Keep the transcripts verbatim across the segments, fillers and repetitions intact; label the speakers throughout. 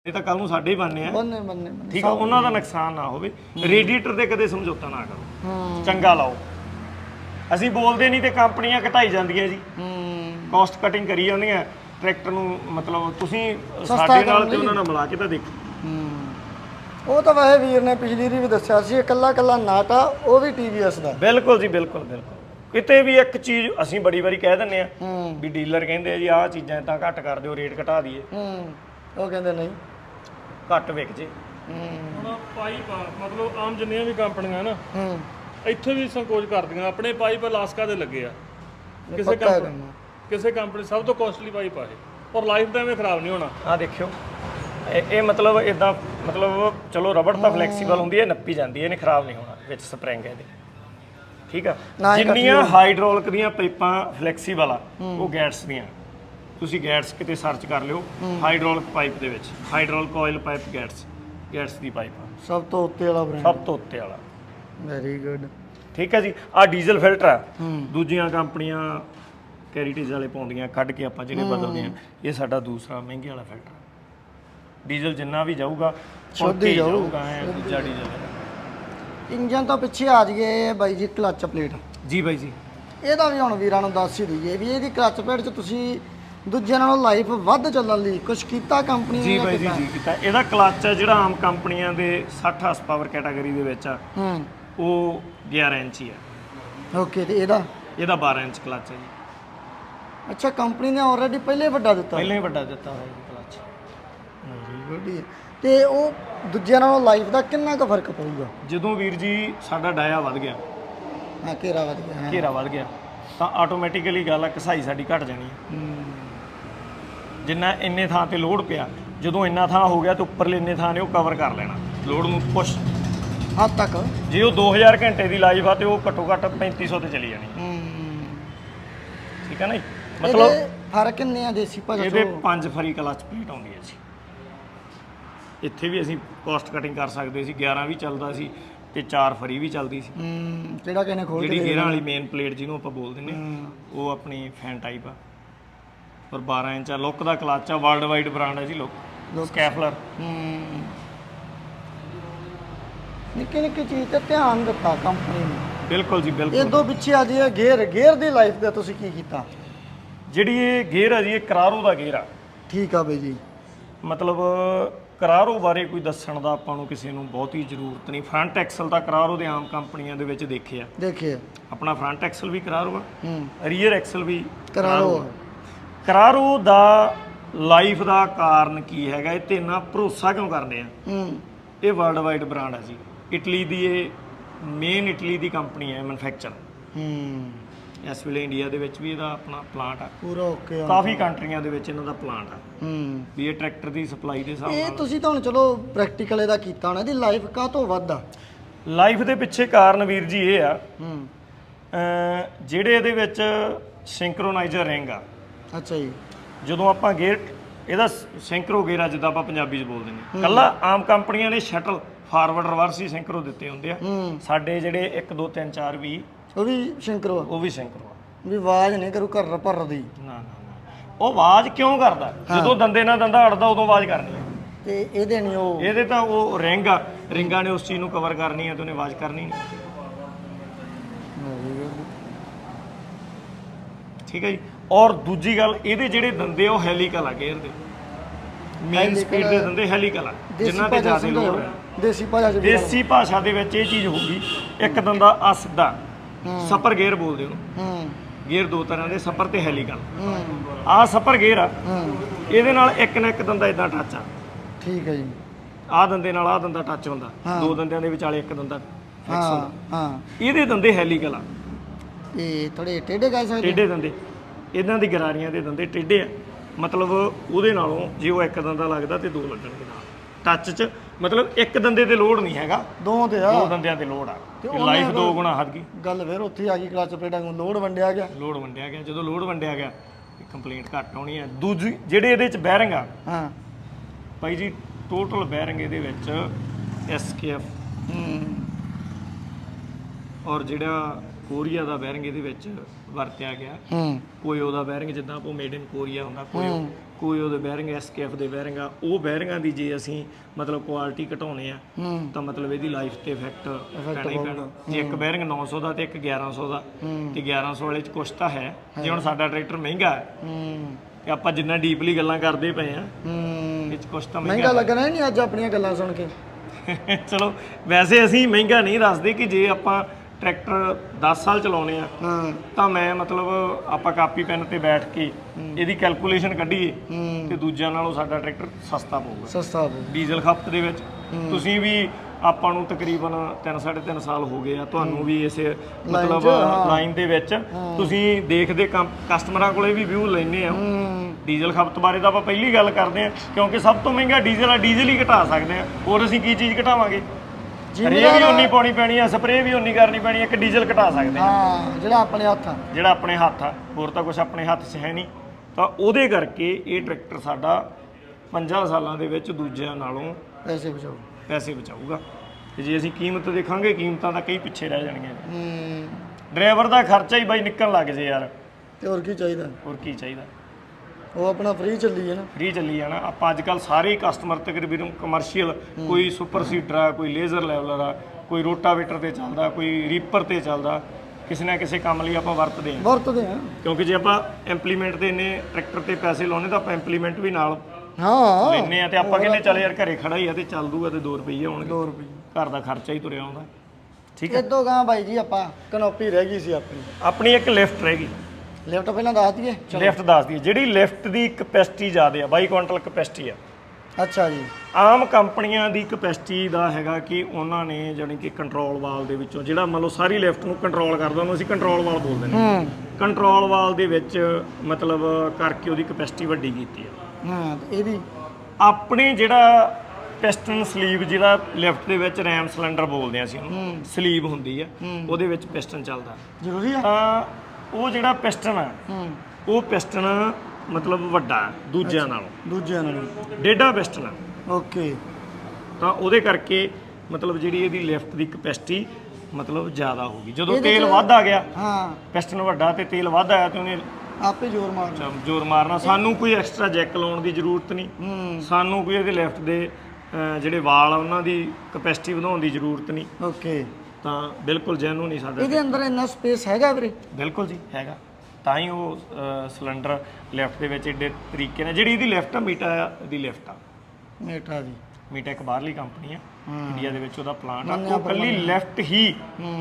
Speaker 1: ਇਹ ਤਾਂ ਕੱਲ ਨੂੰ ਸਾਡੇ ਹੀ ਬਣਨੇ ਆ
Speaker 2: ਬੰਨੇ ਬੰਨੇ
Speaker 1: ਠੀਕ ਆ ਉਹਨਾਂ ਦਾ ਨੁਕਸਾਨ ਨਾ ਹੋਵੇ ਰੇਡੀਏਟਰ ਤੇ ਕਦੇ ਸਮਝੌਤਾ ਨਾ ਕਰੋ ਚੰਗਾ ਲਾਓ ਅਸੀਂ ਬੋਲਦੇ ਨਹੀਂ ਤੇ ਕੰਪਨੀਆਂ ਘਟਾਈ ਜਾਂਦੀਆਂ ਜੀ ਕਾਸਟ ਕਟਿੰਗ ਕਰੀ ਜਾਂਦੀਆਂ ਟਰੈਕਟਰ ਨੂੰ ਮਤਲਬ ਤੁਸੀਂ ਸਾਡੇ ਨਾਲ ਤੇ ਉਹਨਾਂ ਨਾਲ ਮਿਲਾ ਕੇ ਤਾਂ ਦੇਖੋ
Speaker 2: ਉਹ ਤਾਂ ਵੈਸੇ ਵੀਰ ਨੇ ਪਿਛਲੀ ਰੀ ਵੀ ਦੱਸਿਆ ਸੀ ਇਕੱਲਾ ਇਕੱਲਾ ਨਾਟ ਆ ਉਹ ਵੀ ਟੀਵੀਐਸ ਦਾ
Speaker 1: ਬਿਲਕੁਲ ਜੀ ਬਿਲਕੁਲ ਬਿਲਕੁਲ ਕਿਤੇ ਵੀ ਇੱਕ ਚੀਜ਼ ਅਸੀਂ ਬੜੀ ਵਾਰੀ ਕਹਿ ਦਿੰਨੇ ਆ ਵੀ ਡੀਲਰ ਕਹਿੰਦੇ ਆ ਜੀ ਆਹ ਚੀਜ਼ਾਂ ਤਾਂ ਘੱਟ ਕਰ ਦਿਓ ਰੇਟ ਘਟਾ ਦਈਏ
Speaker 2: ਉਹ ਕਹਿੰਦੇ ਨਹੀਂ
Speaker 1: ਘੱਟ ਵਿਕ ਜੇ
Speaker 3: ਹੁਣ ਪਾਈਪ ਮਤਲਬ ਆਮ ਜਿੰਨੀਆਂ ਵੀ ਕੰਪਨੀਆਂ ਨਾ ਇੱਥੇ ਵੀ ਸੰਕੋਚ ਕਰਦੀਆਂ ਆਪਣੇ ਪਾਈਪ ਲਾਸਕਾ ਦੇ ਲੱਗੇ ਆ ਕਿਸੇ ਕੰਪਨੀ ਕਿਸੇ ਕੰਪਨੀ ਸਭ ਤੋਂ ਕੋਸਟਲੀ ਪਾਈਪ ਆ ਇਹ ਔਰ ਲਾਈਫ ਟਾਈਮ ਇਹ ਖਰਾਬ ਨਹੀਂ ਹੋਣਾ
Speaker 1: ਆ ਦੇਖਿਓ ਇਹ ਮਤਲਬ ਇਦਾਂ ਮਤਲਬ ਚਲੋ ਰਬੜ ਤਾਂ ਫਲੈਕਸੀਬਲ ਹੁੰਦੀ ਹੈ ਨੱਪੀ ਜਾਂਦੀ ਹੈ ਇਹਨੇ ਖਰਾਬ ਨਹੀਂ ਹੋਣਾ ਵਿੱਚ ਸਪਰਿੰਗ ਇਹਦੇ ਠੀਕ ਆ ਜਿੰਨੀਆਂ ਹਾਈਡ੍ਰੋਲਿਕ ਦੀਆਂ ਪਾਈਪਾਂ ਫਲੈਕਸੀਬਲ ਆ ਉਹ ਗੈਟਸ ਦੀਆਂ ਤੁਸੀਂ ਗੈਟਸ ਕਿਤੇ ਸਰਚ ਕਰ ਲਿਓ ਹਾਈਡ੍ਰੋਲਿਕ ਪਾਈਪ ਦੇ ਵਿੱਚ ਹਾਈਡ੍ਰੋਲਿਕ ਆਇਲ ਪਾਈਪ ਗੈਟਸ ਗੈਟਸ ਦੀ ਪਾਈਪ
Speaker 2: ਸਭ ਤੋਂ ਉੱਤੇ ਵਾਲਾ ਬ੍ਰਾਂਡ
Speaker 1: ਸਭ ਤੋਂ ਉੱਤੇ ਵਾਲਾ
Speaker 2: ਵੈਰੀ ਗੁੱਡ
Speaker 1: ਠੀਕ ਹੈ ਜੀ ਆ ਡੀਜ਼ਲ ਫਿਲਟਰ ਆ ਦੂਜੀਆਂ ਕੰਪਨੀਆਂ ਕੈਰੀਟੇਜ ਵਾਲੇ ਪਾਉਂਦੀਆਂ ਕੱਢ ਕੇ ਆਪਾਂ ਜਿਹੜੇ ਬਦਲਦੇ ਆ ਇਹ ਸਾਡਾ ਦੂਸਰਾ ਮਹਿੰਗੇ ਵਾਲਾ ਫਿਲਟਰ ਡੀਜ਼ਲ ਜਿੰਨਾ ਵੀ ਜਾਊਗਾ
Speaker 2: ਸ਼ੁੱਧ ਹੀ ਜਾਊਗਾ
Speaker 1: ਐ ਦੂਜਾ ਡੀਜ਼ਲ
Speaker 2: ਇੰਜਨ ਤੋਂ ਪਿੱਛੇ ਆ ਜਾਈਏ ਬਾਈ ਜੀ ਕਲਚ ਪਲੇਟ
Speaker 1: ਜੀ ਬਾਈ ਜੀ
Speaker 2: ਇਹਦਾ ਵੀ ਹੁਣ ਵੀਰਾਂ ਨੂੰ ਦੱਸ ਹੀ ਦਈਏ ਵੀ ਇਹਦੀ ਕਲਚ ਪਲੇਟ 'ਚ ਤੁਸੀਂ ਦੂਜਿਆਂ ਨਾਲੋਂ ਲਾਈਫ ਵੱਧ ਚੱਲਣ ਲਈ ਕੁਝ ਕੀਤਾ ਕੰਪਨੀ ਨੇ
Speaker 1: ਜੀ ਬਾਈ ਜੀ ਜੀ ਕੀਤਾ ਇਹਦਾ ਕਲਚ ਹੈ ਜਿਹੜਾ ਆਮ ਕੰਪਨੀਆਂ ਦੇ ਸੱਠ ਹਾਰਸ ਪਾਵਰ ਕੈਟਾਗਰੀ ਦੇ ਵਿੱਚ ਆ
Speaker 2: ਹੂੰ
Speaker 1: ਉਹ ਗਿਆਰਾਂ ਇੰਚ ਹੀ ਆ
Speaker 2: ਓਕੇ ਤੇ ਇਹਦਾ
Speaker 1: ਇਹਦਾ ਬਾਰਾਂ ਇੰਚ ਕਲਚ ਹੈ ਜੀ
Speaker 2: ਅੱਛਾ ਕੰਪਨੀ ਨੇ ਆਲਰੇਡੀ ਪਹਿਲੇ ਵੱਡਾ ਦਿੱਤਾ
Speaker 1: ਪਹਿਲਾਂ ਹੀ ਵੱਡਾ ਦਿੱਤਾ ਹੋਇਆ ਜੀ ਕਲਚ
Speaker 2: ਵੈਰੀ ਗੁੱਡ ਤੇ ਉਹ ਦੂਜਿਆਂ ਨਾਲੋਂ ਲਾਈਫ ਦਾ ਕਿੰਨਾ ਕੁ ਫਰਕ ਪਊਗਾ
Speaker 1: ਜਦੋਂ ਵੀਰ ਜੀ ਸਾਡਾ ਡਾਇਆ ਵੱਧ ਗਿਆ
Speaker 2: ਹਾਂ ਘੇਰਾ ਵਧ ਗਿਆ
Speaker 1: ਘੇਰਾ ਵੱਧ ਗਿਆ ਤਾਂ ਆਟੋਮੈਟਿਕਲੀ ਗੱਲ ਆ ਘਸਾਈ ਸਾਡੀ ਘਟ ਜਾਣੀ ਹੈ ਜਿੰਨਾ ਇੰਨੇ ਥਾਂ ਤੇ ਲੋਡ ਪਿਆ ਜਦੋਂ ਇੰਨਾ ਥਾਂ ਹੋ ਗਿਆ ਤੇ ਉੱਪਰਲੇ ਇੰਨੇ ਥਾਂ ਨੇ ਉਹ ਕਵਰ ਕਰ ਲੈਣਾ ਲੋਡ ਨੂੰ ਪੁਸ਼
Speaker 2: ਹੱਦ ਤੱਕ
Speaker 1: ਜੇ ਉਹ ਦੋ ਹਜ਼ਾਰ ਘੰਟੇ ਦੀ ਲਾਈਫ ਆ ਤੇ ਉਹ ਘੱਟੋ ਘੱਟ ਪੈਂਤੀ ਸੌ ਤੇ ਚਲੀ ਜਾਣੀ ਠੀਕ ਹੈ ਨਾ ਜੀ ਮਤਲਬ
Speaker 2: ਫਰਕ ਕਿੰਨੇ ਆ ਦੇਸੀ ਭਾਸ਼ਾ
Speaker 1: ਇਹਦੇ ਪੰਜ ਫਰੀ ਕਲਚ ਪਲੇਟ ਆਉਂਦੀ ਹੈ ਜੀ ਇੱਥੇ ਵੀ ਅਸੀਂ ਕਾਸਟ ਕਟਿੰਗ ਕਰ ਸਕਦੇ ਸੀ ਗਿਆਰਾਂ ਵੀ ਚੱਲਦਾ ਸੀ ਤੇ ਚਾਰ ਫਰੀ ਵੀ ਚੱਲਦੀ ਸੀ
Speaker 2: ਹੂੰ ਕਿਹੜਾ ਕਿਨੇ ਖੋਲ
Speaker 1: ਜਿਹੜੀ ਗੇਅਰਾਂ ਵਾਲੀ ਮੇਨ ਪਲੇਟ ਜਿਹਨੂੰ ਆਪਾਂ ਬੋਲ ਦਿੰਦੇ ਉਹ ਆਪਣੀ ਫੈਨ ਟਾਈਪ ਆ ਔਰ ਬਾਰਾਂ ਇੰਚ ਆ ਲੁੱਕ ਦਾ ਕਲਚ ਆ ਵਰਲਡ ਵਾਈਡ ਬ੍ਰਾਂਡ ਹੈ ਜੀ ਲੁੱਕ ਸਕੈਫਲਰ
Speaker 2: ਹੂੰ ਨਿੱਕੀ ਨਿੱਕੀ ਚੀਜ਼ ਤੇ ਧਿਆਨ ਦਿੱਤਾ ਕੰਪਨੀ ਨੇ
Speaker 1: ਬਿਲਕੁਲ ਜੀ ਬਿਲਕੁਲ
Speaker 2: ਇਹ ਦੋ ਪਿੱਛੇ ਆ ਜੀ ਗੇਅਰ ਗੇਅਰ ਦੀ ਲਾਈਫ ਦਾ ਤੁਸੀਂ ਕੀ ਕੀਤਾ
Speaker 1: ਜਿਹੜੀ ਇਹ ਗੇਅਰ ਆ ਜੀ ਇਹ ਕਰਾਰੋ ਦਾ ਗੇਅਰ ਆ
Speaker 2: ਠੀਕ ਆ ਬਈ ਜੀ
Speaker 1: ਮਤਲਬ ਕਰਾਰੋ ਬਾਰੇ ਕੋਈ ਦੱਸਣ ਦਾ ਆਪਾਂ ਨੂੰ ਕਿਸੇ ਨੂੰ ਬਹੁਤੀ ਜ਼ਰੂਰਤ ਨਹੀਂ ਫਰੰਟ ਐਕਸਲ ਤਾਂ ਕਰਾਰੋ ਦੇ ਆਮ ਕੰਪਨੀਆਂ ਦੇ ਵਿੱਚ ਦੇਖਿਆ
Speaker 2: ਦੇਖਿਆ
Speaker 1: ਆਪਣਾ ਫਰੰਟ ਐਕਸਲ ਵੀ ਕਰਾਰੋ ਆ
Speaker 2: ਹੂੰ
Speaker 1: ਰੀਅਰ ਐਕਸਲ ਵੀ
Speaker 2: ਕਰਾਰੋ
Speaker 1: ਕਰਾਰੋ ਦਾ ਲਾਈਫ ਦਾ ਕਾਰਨ ਕੀ ਹੈਗਾ ਇਹ ਤੇ ਇੰਨਾ ਭਰੋਸਾ ਕਿਉਂ ਕਰਦੇ ਆ
Speaker 2: ਹੂੰ
Speaker 1: ਇਹ ਵਰਲਡ ਵਾਈਡ ਬ੍ਰਾਂਡ ਹੈ ਜੀ ਇਟਲੀ ਦੀ ਇਹ ਮੇਨ ਇਟਲੀ ਦੀ ਕੰਪਨੀ ਹੈ ਮੈਨੂਫੈਕਚਰ
Speaker 2: ਹੂੰ
Speaker 1: ਇਸ ਵੇਲੇ ਇੰਡੀਆ ਦੇ ਵਿੱਚ ਵੀ ਇਹਦਾ ਆਪਣਾ ਪਲਾਂਟ ਆ
Speaker 2: ਪੂਰਾ ਓਕੇ ਆ
Speaker 1: ਕਾਫੀ ਕੰਟਰੀਆਂ ਦੇ ਵਿੱਚ ਇਹਨਾਂ ਦਾ ਪਲਾਂਟ ਆ
Speaker 2: ਹੂੰ
Speaker 1: ਵੀ ਇਹ ਟਰੈਕਟਰ ਦੀ ਸਪਲਾਈ ਦੇ ਹਿਸਾਬ
Speaker 2: ਇਹ
Speaker 1: ਨਾਲ
Speaker 2: ਤੁਸੀਂ ਤਾਂ ਹੁਣ ਚਲੋ ਪ੍ਰੈਕਟੀਕਲ ਇਹਦਾ ਕੀਤਾ ਹੋਣਾ ਇਹਦੀ ਲਾਈਫ ਕਾਹ ਤੋਂ ਵੱਧ ਆ
Speaker 1: ਲਾਈਫ ਦੇ ਪਿੱਛੇ ਕਾਰਨ ਵੀਰ ਜੀ ਇਹ ਆ
Speaker 2: ਹੂੰ
Speaker 1: ਅਮ ਜਿਹੜੇ ਇਹਦੇ ਵਿੱਚ ਸਿੰਕਰੋਨਾਈਜ਼ਰ ਰਿੰਗ ਆ
Speaker 2: ਅੱਛਾ ਜੀ
Speaker 1: ਜਦੋਂ ਆਪਾਂ ਗੇਅਰ ਇਹਦਾ ਸਿੰਕਰੋ ਗੇਅਰ ਆ ਜਿੱਦਾਂ ਆਪਾਂ ਪੰਜਾਬੀ 'ਚ ਬੋਲਦੇ ਨੇ ਕੱਲਾ ਆਮ ਕੰਪਨੀਆਂ ਨੇ ਸ਼ਟਲ ਫਾਰਵਰਡ ਰਿਵਰਸ ਹੀ ਸਿੰਕਰੋ ਦਿੱਤੇ ਹੁੰਦੇ ਆ ਸਾਡੇ ਜਿਹੜੇ ਇੱਕ ਦੋ ਤਿੰਨ ਚਾਰ ਵੀ
Speaker 2: ਉਹ ਵੀ ਸ਼ੰਕਰੋ
Speaker 1: ਉਹ ਵੀ ਸਿੰਕਰੋ ਆ
Speaker 2: ਵੀ ਆਵਾਜ਼ ਨਹੀਂ ਕਰੂ ਘਰ ਭਰ ਦੀ
Speaker 1: ਨਾ ਨਾ ਨਾ ਉਹ ਆਵਾਜ਼ ਕਿਉਂ ਕਰਦਾ ਜਦੋਂ ਦੰਦੇ ਨਾਲ ਦੰਦਾ ਅੜਦਾ ਉਦੋਂ ਆਵਾਜ਼ ਕਰਨੀ ਹੈ
Speaker 2: ਤੇ ਇਹਦੇ ਨਹੀਂ ਉਹ
Speaker 1: ਇਹਦੇ ਤਾਂ ਉਹ ਰਿੰਗ ਆ ਰਿੰਗਾਂ ਨੇ ਉਸ ਚੀਜ਼ ਨੂੰ ਕਵਰ ਕਰਨੀ ਹੈ ਤੇ ਉਹਨੇ ਆਵਾਜ਼ ਕਰਨੀ ਨਹੀਂ ਠੀਕ ਹੈ ਜੀ ਔਰ ਦੂਜੀ ਗੱਲ ਇਹਦੇ ਜਿਹੜੇ ਦੰਦੇ ਉਹ ਹੈਲੀਕਲ ਆ ਗੇਅਰ ਦੇ ਮੇਨ ਸਪੀਡ ਦੇ ਦੰਦੇ ਹੈਲੀਕਲ ਆ ਜਿਨ੍ਹਾਂ ਤੇ ਜ਼ਿਆਦਾ ਲੋਡ ਹੈ
Speaker 2: ਦੇਸੀ ਭਾਸ਼ਾ ਚ
Speaker 1: ਦੇਸੀ ਭਾਸ਼ਾ ਦੇ ਵਿੱਚ ਇਹ ਚੀਜ਼ ਹੋਊਗੀ ਇੱਕ ਦੰਦਾ ਆ ਸਿੱਧਾ ਸਪਰ ਗੇਅਰ ਬੋਲਦੇ ਉਹਨੂੰ
Speaker 2: ਹੂੰ
Speaker 1: ਗੇਅਰ ਦੋ ਤਰ੍ਹਾਂ ਦੇ ਸਪਰ ਤੇ ਹੈਲੀਕਲ
Speaker 2: ਹੂੰ
Speaker 1: ਆ ਸਪਰ ਗੇਅਰ ਆ
Speaker 2: ਹੂੰ
Speaker 1: ਇਹਦੇ ਨਾਲ ਇੱਕ ਨਾ ਇੱਕ ਦੰਦਾ ਇਦਾਂ ਟੱਚ ਆ
Speaker 2: ਠੀਕ ਹੈ ਜੀ
Speaker 1: ਆਹ ਦੰਦੇ ਨਾਲ ਆਹ ਦੰਦਾ ਟੱਚ ਹੁੰਦਾ ਦੋ ਦੰਦਿਆਂ ਦੇ ਵਿਚਾਲੇ ਇੱਕ ਦੰਦਾ ਫਿਕਸ ਹੁੰਦਾ
Speaker 2: ਹਾਂ
Speaker 1: ਇਹਦੇ ਦੰਦੇ ਹੈਲੀਕਲ ਆ
Speaker 2: ਇਹ ਥੋੜੇ ਟੇਢੇ ਕਹਿ ਸਕਦੇ
Speaker 1: ਟੇਢੇ ਦੰਦੇ ਇਹਨਾਂ ਦੀ ਗਰਾਰੀਆਂ ਦੇ ਦੰਦੇ ਟੇਢੇ ਆ ਮਤਲਬ ਉਹਦੇ ਨਾਲੋਂ ਜੇ ਉਹ ਇੱਕ ਦੰਦਾ ਲੱਗਦਾ ਤੇ ਦੋ ਲੱਗਣਗੇ ਨਾਲ ਟੱਚ 'ਚ ਮਤਲਬ ਇੱਕ ਦੰਦੇ ਤੇ ਲੋਡ ਨਹੀਂ ਹੈਗਾ
Speaker 2: ਦੋ ਤੇ ਆ
Speaker 1: ਦੋ ਦੰਦਿਆਂ ਤੇ ਲੋਡ ਆ ਲਾਈਫ ਦੋ ਗੁਣਾ ਹੱਦ ਗਈ
Speaker 2: ਗੱਲ ਫਿਰ ਉੱਥੇ ਆ ਗਈ ਕਲਚ ਪਲੇਟਾਂ ਨੂੰ ਲੋਡ ਵੰਡਿਆ ਗਿਆ
Speaker 1: ਲੋਡ ਵੰਡਿਆ ਗਿਆ ਜਦੋਂ ਲੋਡ ਵੰਡਿਆ ਗਿਆ ਕੰਪਲੇਂਟ ਘੱਟ ਆਉਣੀ ਹੈ ਦੂਜੀ ਜਿਹੜੇ ਇਹਦੇ 'ਚ ਬੈਰਿੰਗ ਆ
Speaker 2: ਹਾਂ
Speaker 1: ਭਾਈ ਜੀ ਟੋਟਲ ਬੈਰਿੰਗ ਇਹਦੇ ਵਿੱਚ ਐਸ ਕੇ ਐਫ
Speaker 2: ਹੂੰ
Speaker 1: ਔਰ ਜਿਹੜਾ ਕੋਰੀਆ ਦਾ ਬੈਰਿੰਗ ਇਹਦੇ ਵਿੱਚ ਵਰਤਿਆ ਗਿਆ
Speaker 2: ਹੂੰ
Speaker 1: ਕੋਈ ਉਹਦਾ ਬੈਰਿੰਗ ਜਿੱਦਾਂ ਆਪੋ ਮੇਡ ਇਨ ਕੋਰੀਆ ਹੁੰਦਾ ਕੋਈ ਕੋਈ ਉਹਦੇ ਬੈਰਿੰਗ ਐਸਕੇਐਫ ਦੇ ਬੈਰਿੰਗ ਆ, ਉਹ ਬੈਰਿੰਗਾਂ ਦੀ ਜੇ ਅਸੀਂ ਮਤਲਬ ਕੁਆਲਿਟੀ ਘਟਾਉਣੇ ਆ ਤਾਂ ਮਤਲਬ ਇਹਦੀ ਲਾਈਫ ਤੇ ਇਫੈਕਟ ਪੈਣਾ ਹੀ ਪੈਣਾ। ਜੇ ਇੱਕ ਬੈਰਿੰਗ ਨੌ ਸੌ ਦਾ ਤੇ ਇੱਕ ਗਿਆਰਾਂ ਸੌ ਦਾ, ਤੇ ਗਿਆਰਾਂ ਸੌ ਵਾਲੇ 'ਚ ਕੁਛ ਤਾਂ ਹੈ। ਜੇ ਹੁਣ ਸਾਡਾ ਟਰੈਕਟਰ ਮਹਿੰਗਾ ਹੈ ਤੇ ਆਪਾਂ ਜਿੰਨਾ ਡੀਪਲੀ ਗੱਲਾਂ ਕਰਦੇ ਪਏ ਆ ਇਹ 'ਚ ਕੁਛ ਤਾਂ
Speaker 2: ਮਹਿੰਗਾ ਲੱਗਣਾ ਨਹੀਂ ਅੱਜ ਆਪਣੀਆਂ ਗੱਲਾਂ ਸੁਣ ਕੇ।
Speaker 1: ਚਲੋ ਵੈਸੇ ਅਸੀਂ ਮਹਿੰਗਾ ਨਹੀਂ ਦੱਸਦੇ ਕਿ ਜੇ ਆਪਾਂ ਟਰੈਕਟਰ ਦਸ ਸਾਲ ਚਲਾਉਣੇ ਆ ਤਾਂ ਮੈਂ ਮਤਲਬ ਆਪਾਂ ਕਾਪੀ ਪੈਨ ਤੇ ਬੈਠ ਕੇ ਇਹਦੀ ਕੈਲਕੂਲੇਸ਼ਨ ਕੱਢੀਏ ਤੇ ਦੂਜਿਆਂ ਨਾਲੋਂ ਸਾਡਾ ਟਰੈਕਟਰ ਸਸਤਾ ਪਊਗਾ।
Speaker 2: ਸਸਤਾ ਪਊ
Speaker 1: ਡੀਜ਼ਲ ਖਪਤ ਦੇ ਵਿੱਚ। ਤੁਸੀਂ ਵੀ ਆਪਾਂ ਨੂੰ ਤਕਰੀਬਨ ਤਿੰਨ ਸਾਢੇ ਤਿੰਨ ਸਾਲ ਹੋ ਗਏ ਆ, ਤੁਹਾਨੂੰ ਵੀ ਇਸੇ ਮਤਲਬ ਲਾਈਨ ਦੇ ਵਿੱਚ ਤੁਸੀਂ ਦੇਖਦੇ ਕਸਟਮਰਾਂ ਕੋਲੇ ਵੀ ਵਿਊ ਲੈਣੇ ਆ। ਡੀਜ਼ਲ ਖਪਤ ਬਾਰੇ ਤਾਂ ਆਪਾਂ ਪਹਿਲੀ ਗੱਲ ਕਰਦੇ ਆ ਕਿਉਂਕਿ ਸਭ ਤੋਂ ਮਹਿੰਗਾ ਡੀਜ਼ਲ ਆ, ਡੀਜ਼ਲ ਹੀ ਘਟਾ ਸਕਦੇ ਆ, ਹੋਰ ਅਸੀਂ ਕੀ ਚੀਜ਼ ਘਟਾਵਾਂਗੇ? ਰੇ ਵੀ ਉਨੀ ਪਾਉਣੀ ਪੈਣੀ ਆ, ਸਪਰੇਅ ਵੀ ਉਨੀ ਕਰਨੀ ਪੈਣੀ ਆ, ਇੱਕ ਡੀਜ਼ਲ ਘਟਾ ਸਕਦੇ ਆ
Speaker 2: ਹਾਂ ਜਿਹੜਾ ਆਪਣੇ ਹੱਥ ਆ,
Speaker 1: ਜਿਹੜਾ ਆਪਣੇ ਹੱਥ ਆ, ਹੋਰ ਤਾਂ ਕੁਝ ਆਪਣੇ ਹੱਥ 'ਚ ਹੈ ਨਹੀਂ। ਤਾਂ ਉਹਦੇ ਕਰਕੇ ਇਹ ਟਰੈਕਟਰ ਸਾਡਾ ਪੰਜਾਂ ਸਾਲਾਂ ਦੇ ਵਿੱਚ ਦੂਜਿਆਂ ਨਾਲੋਂ
Speaker 2: ਪੈਸੇ ਬਚਾਓ
Speaker 1: ਪੈਸੇ ਬਚਾਊਗਾ। ਤੇ ਜੇ ਅਸੀਂ ਕੀਮਤ ਦੇਖਾਂਗੇ ਕੀਮਤਾਂ ਤਾਂ ਕਈ ਪਿੱਛੇ ਰਹਿ ਜਾਣਗੀਆਂ।
Speaker 2: ਹੂੰ
Speaker 1: ਡਰਾਈਵਰ ਦਾ ਖਰਚਾ ਹੀ ਬਾਈ ਨਿਕਲਣ ਲੱਗ ਜੇ ਯਾਰ,
Speaker 2: ਤੇ ਹੋਰ ਕੀ ਚਾਹੀਦਾ?
Speaker 1: ਹੋਰ ਕੀ ਚਾਹੀਦਾ?
Speaker 2: ਉਹ ਆਪਣਾ ਫ੍ਰੀ ਚੱਲੀ ਹੈ ਨਾ,
Speaker 1: ਫ੍ਰੀ ਚੱਲੀ ਜਾਣਾ। ਆਪਾਂ ਅੱਜ ਕੱਲ ਸਾਰੇ ਹੀ ਕਸਟਮਰ ਤਕਰੀਬਨ ਕਮਰਸ਼ੀਅਲ, ਕੋਈ ਸੁਪਰ ਸੀਡਰ ਆ, ਕੋਈ ਲੇਜ਼ਰ ਲੈਵਲਰ ਆ, ਕੋਈ ਰੋਟਾਵੇਟਰ ਤੇ ਚੱਲਦਾ, ਕੋਈ ਰੀਪਰ ਤੇ ਚੱਲਦਾ, ਕਿਸੇ ਨਾ ਕਿਸੇ ਕੰਮ ਲਈ ਆਪਾਂ ਵਰਤਦੇ ਹਾਂ
Speaker 2: ਵਰਤਦੇ ਹਾਂ
Speaker 1: ਕਿਉਂਕਿ ਜੇ ਆਪਾਂ ਇੰਪਲੀਮੈਂਟ ਤੇ ਇੰਨੇ ਟਰੈਕਟਰ ਤੇ ਪੈਸੇ ਲਾਉਣੇ ਤਾਂ ਆਪਾਂ ਇੰਪਲੀਮੈਂਟ ਵੀ ਨਾਲ
Speaker 2: ਹਾਂ
Speaker 1: ਲੈਨੇ ਆ। ਤੇ ਆਪਾਂ ਕਹਿੰਦੇ ਚੱਲ ਯਾਰ ਘਰੇ ਖੜਾ ਹੀ ਆ ਤੇ ਚੱਲ ਦੂਗਾ ਤੇ ਦੋ ਰੁਪਏ ਆਉਣਗੇ,
Speaker 2: ਦੋ ਰੁਪਏ
Speaker 1: ਘਰ ਦਾ ਖਰਚਾ ਹੀ ਤੁਰਿਆ ਆਉਂਦਾ। ਠੀਕ ਹੈ।
Speaker 2: ਇਦੋਂ ਗਾਂ ਬਾਈ ਜੀ ਆਪਾਂ ਕਨੋਪੀ ਰਹਿ ਗਈ ਸੀ ਆਪਣੀ,
Speaker 1: ਆਪਣੀ ਇੱਕ ਲਿਫਟ ਰਹਿ ਗਈ।
Speaker 2: ਲਿਫਟ ਪਹਿਲਾਂ ਦੱਸ ਦਈਏ।
Speaker 1: ਲਿਫਟ ਦੱਸ ਦਈਏ, ਜਿਹੜੀ ਲਿਫਟ ਦੀ ਕਪੈਸਿਟੀ ਜ਼ਿਆਦਾ ਆ, ਬਾਈ ਕੁਇੰਟਲ ਕਪੈਸਿਟੀ ਆ।
Speaker 2: ਅੱਛਾ ਜੀ।
Speaker 1: ਆਮ ਕੰਪਨੀਆਂ ਦੀ ਕਪੈਸਿਟੀ ਦਾ ਹੈਗਾ ਕਿ ਉਹਨਾਂ ਨੇ ਜਾਣੀ ਕਿ ਕੰਟਰੋਲ ਵਾਲ ਦੇ ਵਿੱਚੋਂ ਜਿਹੜਾ ਮੰਨ ਲਓ ਸਾਰੀ ਲਿਫਟ ਨੂੰ ਕੰਟਰੋਲ ਕਰਦਾ, ਉਹਨੂੰ ਅਸੀਂ ਕੰਟਰੋਲ ਵਾਲ ਬੋਲਦੇ ਨੇ। ਕੰਟਰੋਲ ਵਾਲ ਦੇ ਵਿੱਚ ਮਤਲਬ ਕਰਕੇ ਉਹਦੀ ਕਪੈਸਿਟੀ ਵੱਡੀ ਕੀਤੀ ਆ।
Speaker 2: ਹਾਂ ਇਹਦੀ
Speaker 1: ਆਪਣੇ ਜਿਹੜਾ ਪਿਸਟਨ ਸਲੀਵ, ਜਿਹੜਾ ਲਿਫਟ ਦੇ ਵਿੱਚ ਰੈਮ ਸਿਲੰਡਰ ਬੋਲਦੇ ਆ ਅਸੀਂ ਉਹਨੂੰ, ਸਲੀਵ ਹੁੰਦੀ ਆ, ਉਹਦੇ ਵਿੱਚ ਪਿਸਟਨ ਚੱਲਦਾ
Speaker 2: ਜ਼ਰੂਰੀ ਆ।
Speaker 1: ਤਾਂ ਉਹ ਜਿਹੜਾ ਪਿਸਟਨ ਆ ਉਹ ਪਿਸਟਨ ਮਤਲਬ ਵੱਡਾ ਦੂਜਿਆਂ ਨਾਲੋਂ,
Speaker 2: ਦੂਜਿਆਂ ਨਾਲੋਂ
Speaker 1: ਡੇਢਾ ਪਿਸਟਨ ਆ।
Speaker 2: ਓਕੇ।
Speaker 1: ਤਾਂ ਉਹਦੇ ਕਰਕੇ ਮਤਲਬ ਜਿਹੜੀ ਇਹਦੀ ਲਿਫਟ ਦੀ ਕਪੈਸਿਟੀ ਮਤਲਬ ਜ਼ਿਆਦਾ ਹੋਊਗੀ। ਜਦੋਂ ਤੇਲ ਵੱਧ ਆ ਗਿਆ, ਹਾਂ ਪਿਸਟਨ ਵੱਡਾ ਤੇ ਤੇਲ ਵੱਧ ਆਇਆ ਤੇ ਉਹਨੇ
Speaker 2: ਆਪੇ ਜ਼ੋਰ ਮਾਰਨਾ
Speaker 1: ਜ਼ੋਰ ਮਾਰਨਾ। ਸਾਨੂੰ ਕੋਈ ਐਕਸਟਰਾ ਜੈਕ ਲਾਉਣ ਦੀ ਜ਼ਰੂਰਤ ਨਹੀਂ, ਸਾਨੂੰ ਕੋਈ ਇਹਦੇ ਲਿਫਟ ਦੇ ਜਿਹੜੇ ਵਾਲ ਆ ਉਹਨਾਂ ਦੀ ਕਪੈਸਿਟੀ ਵਧਾਉਣ ਦੀ ਜ਼ਰੂਰਤ ਨਹੀਂ।
Speaker 2: ਓਕੇ।
Speaker 1: ਤਾਂ ਬਿਲਕੁਲ ਜੈਨੂਨ ਨਹੀਂ ਸਾਡਾ।
Speaker 2: ਇਹਦੇ ਅੰਦਰ ਇੰਨਾ ਸਪੇਸ ਹੈਗਾ ਵੀਰੇ?
Speaker 1: ਬਿਲਕੁਲ ਜੀ ਹੈਗਾ, ਤਾਂ ਹੀ ਉਹ ਸਿਲੰਡਰ ਲਿਫਟ ਦੇ ਵਿੱਚ ਏਡੇ ਤਰੀਕੇ ਨਾਲ। ਜਿਹੜੀ ਇਹਦੀ ਲਿਫਟ ਆ ਮੀਟਾ ਦੀ ਲਿਫਟ ਆ,
Speaker 2: ਮੀਟਾ ਦੀ
Speaker 1: ਮੀਟਾ ਇੱਕ ਬਾਹਰਲੀ ਕੰਪਨੀ ਆ, ਇੰਡੀਆ ਦੇ ਵਿੱਚ ਉਹਦਾ ਪਲਾਂਟ ਆ। ਉਹ ਕੱਲੀ ਲਿਫਟ ਹੀ,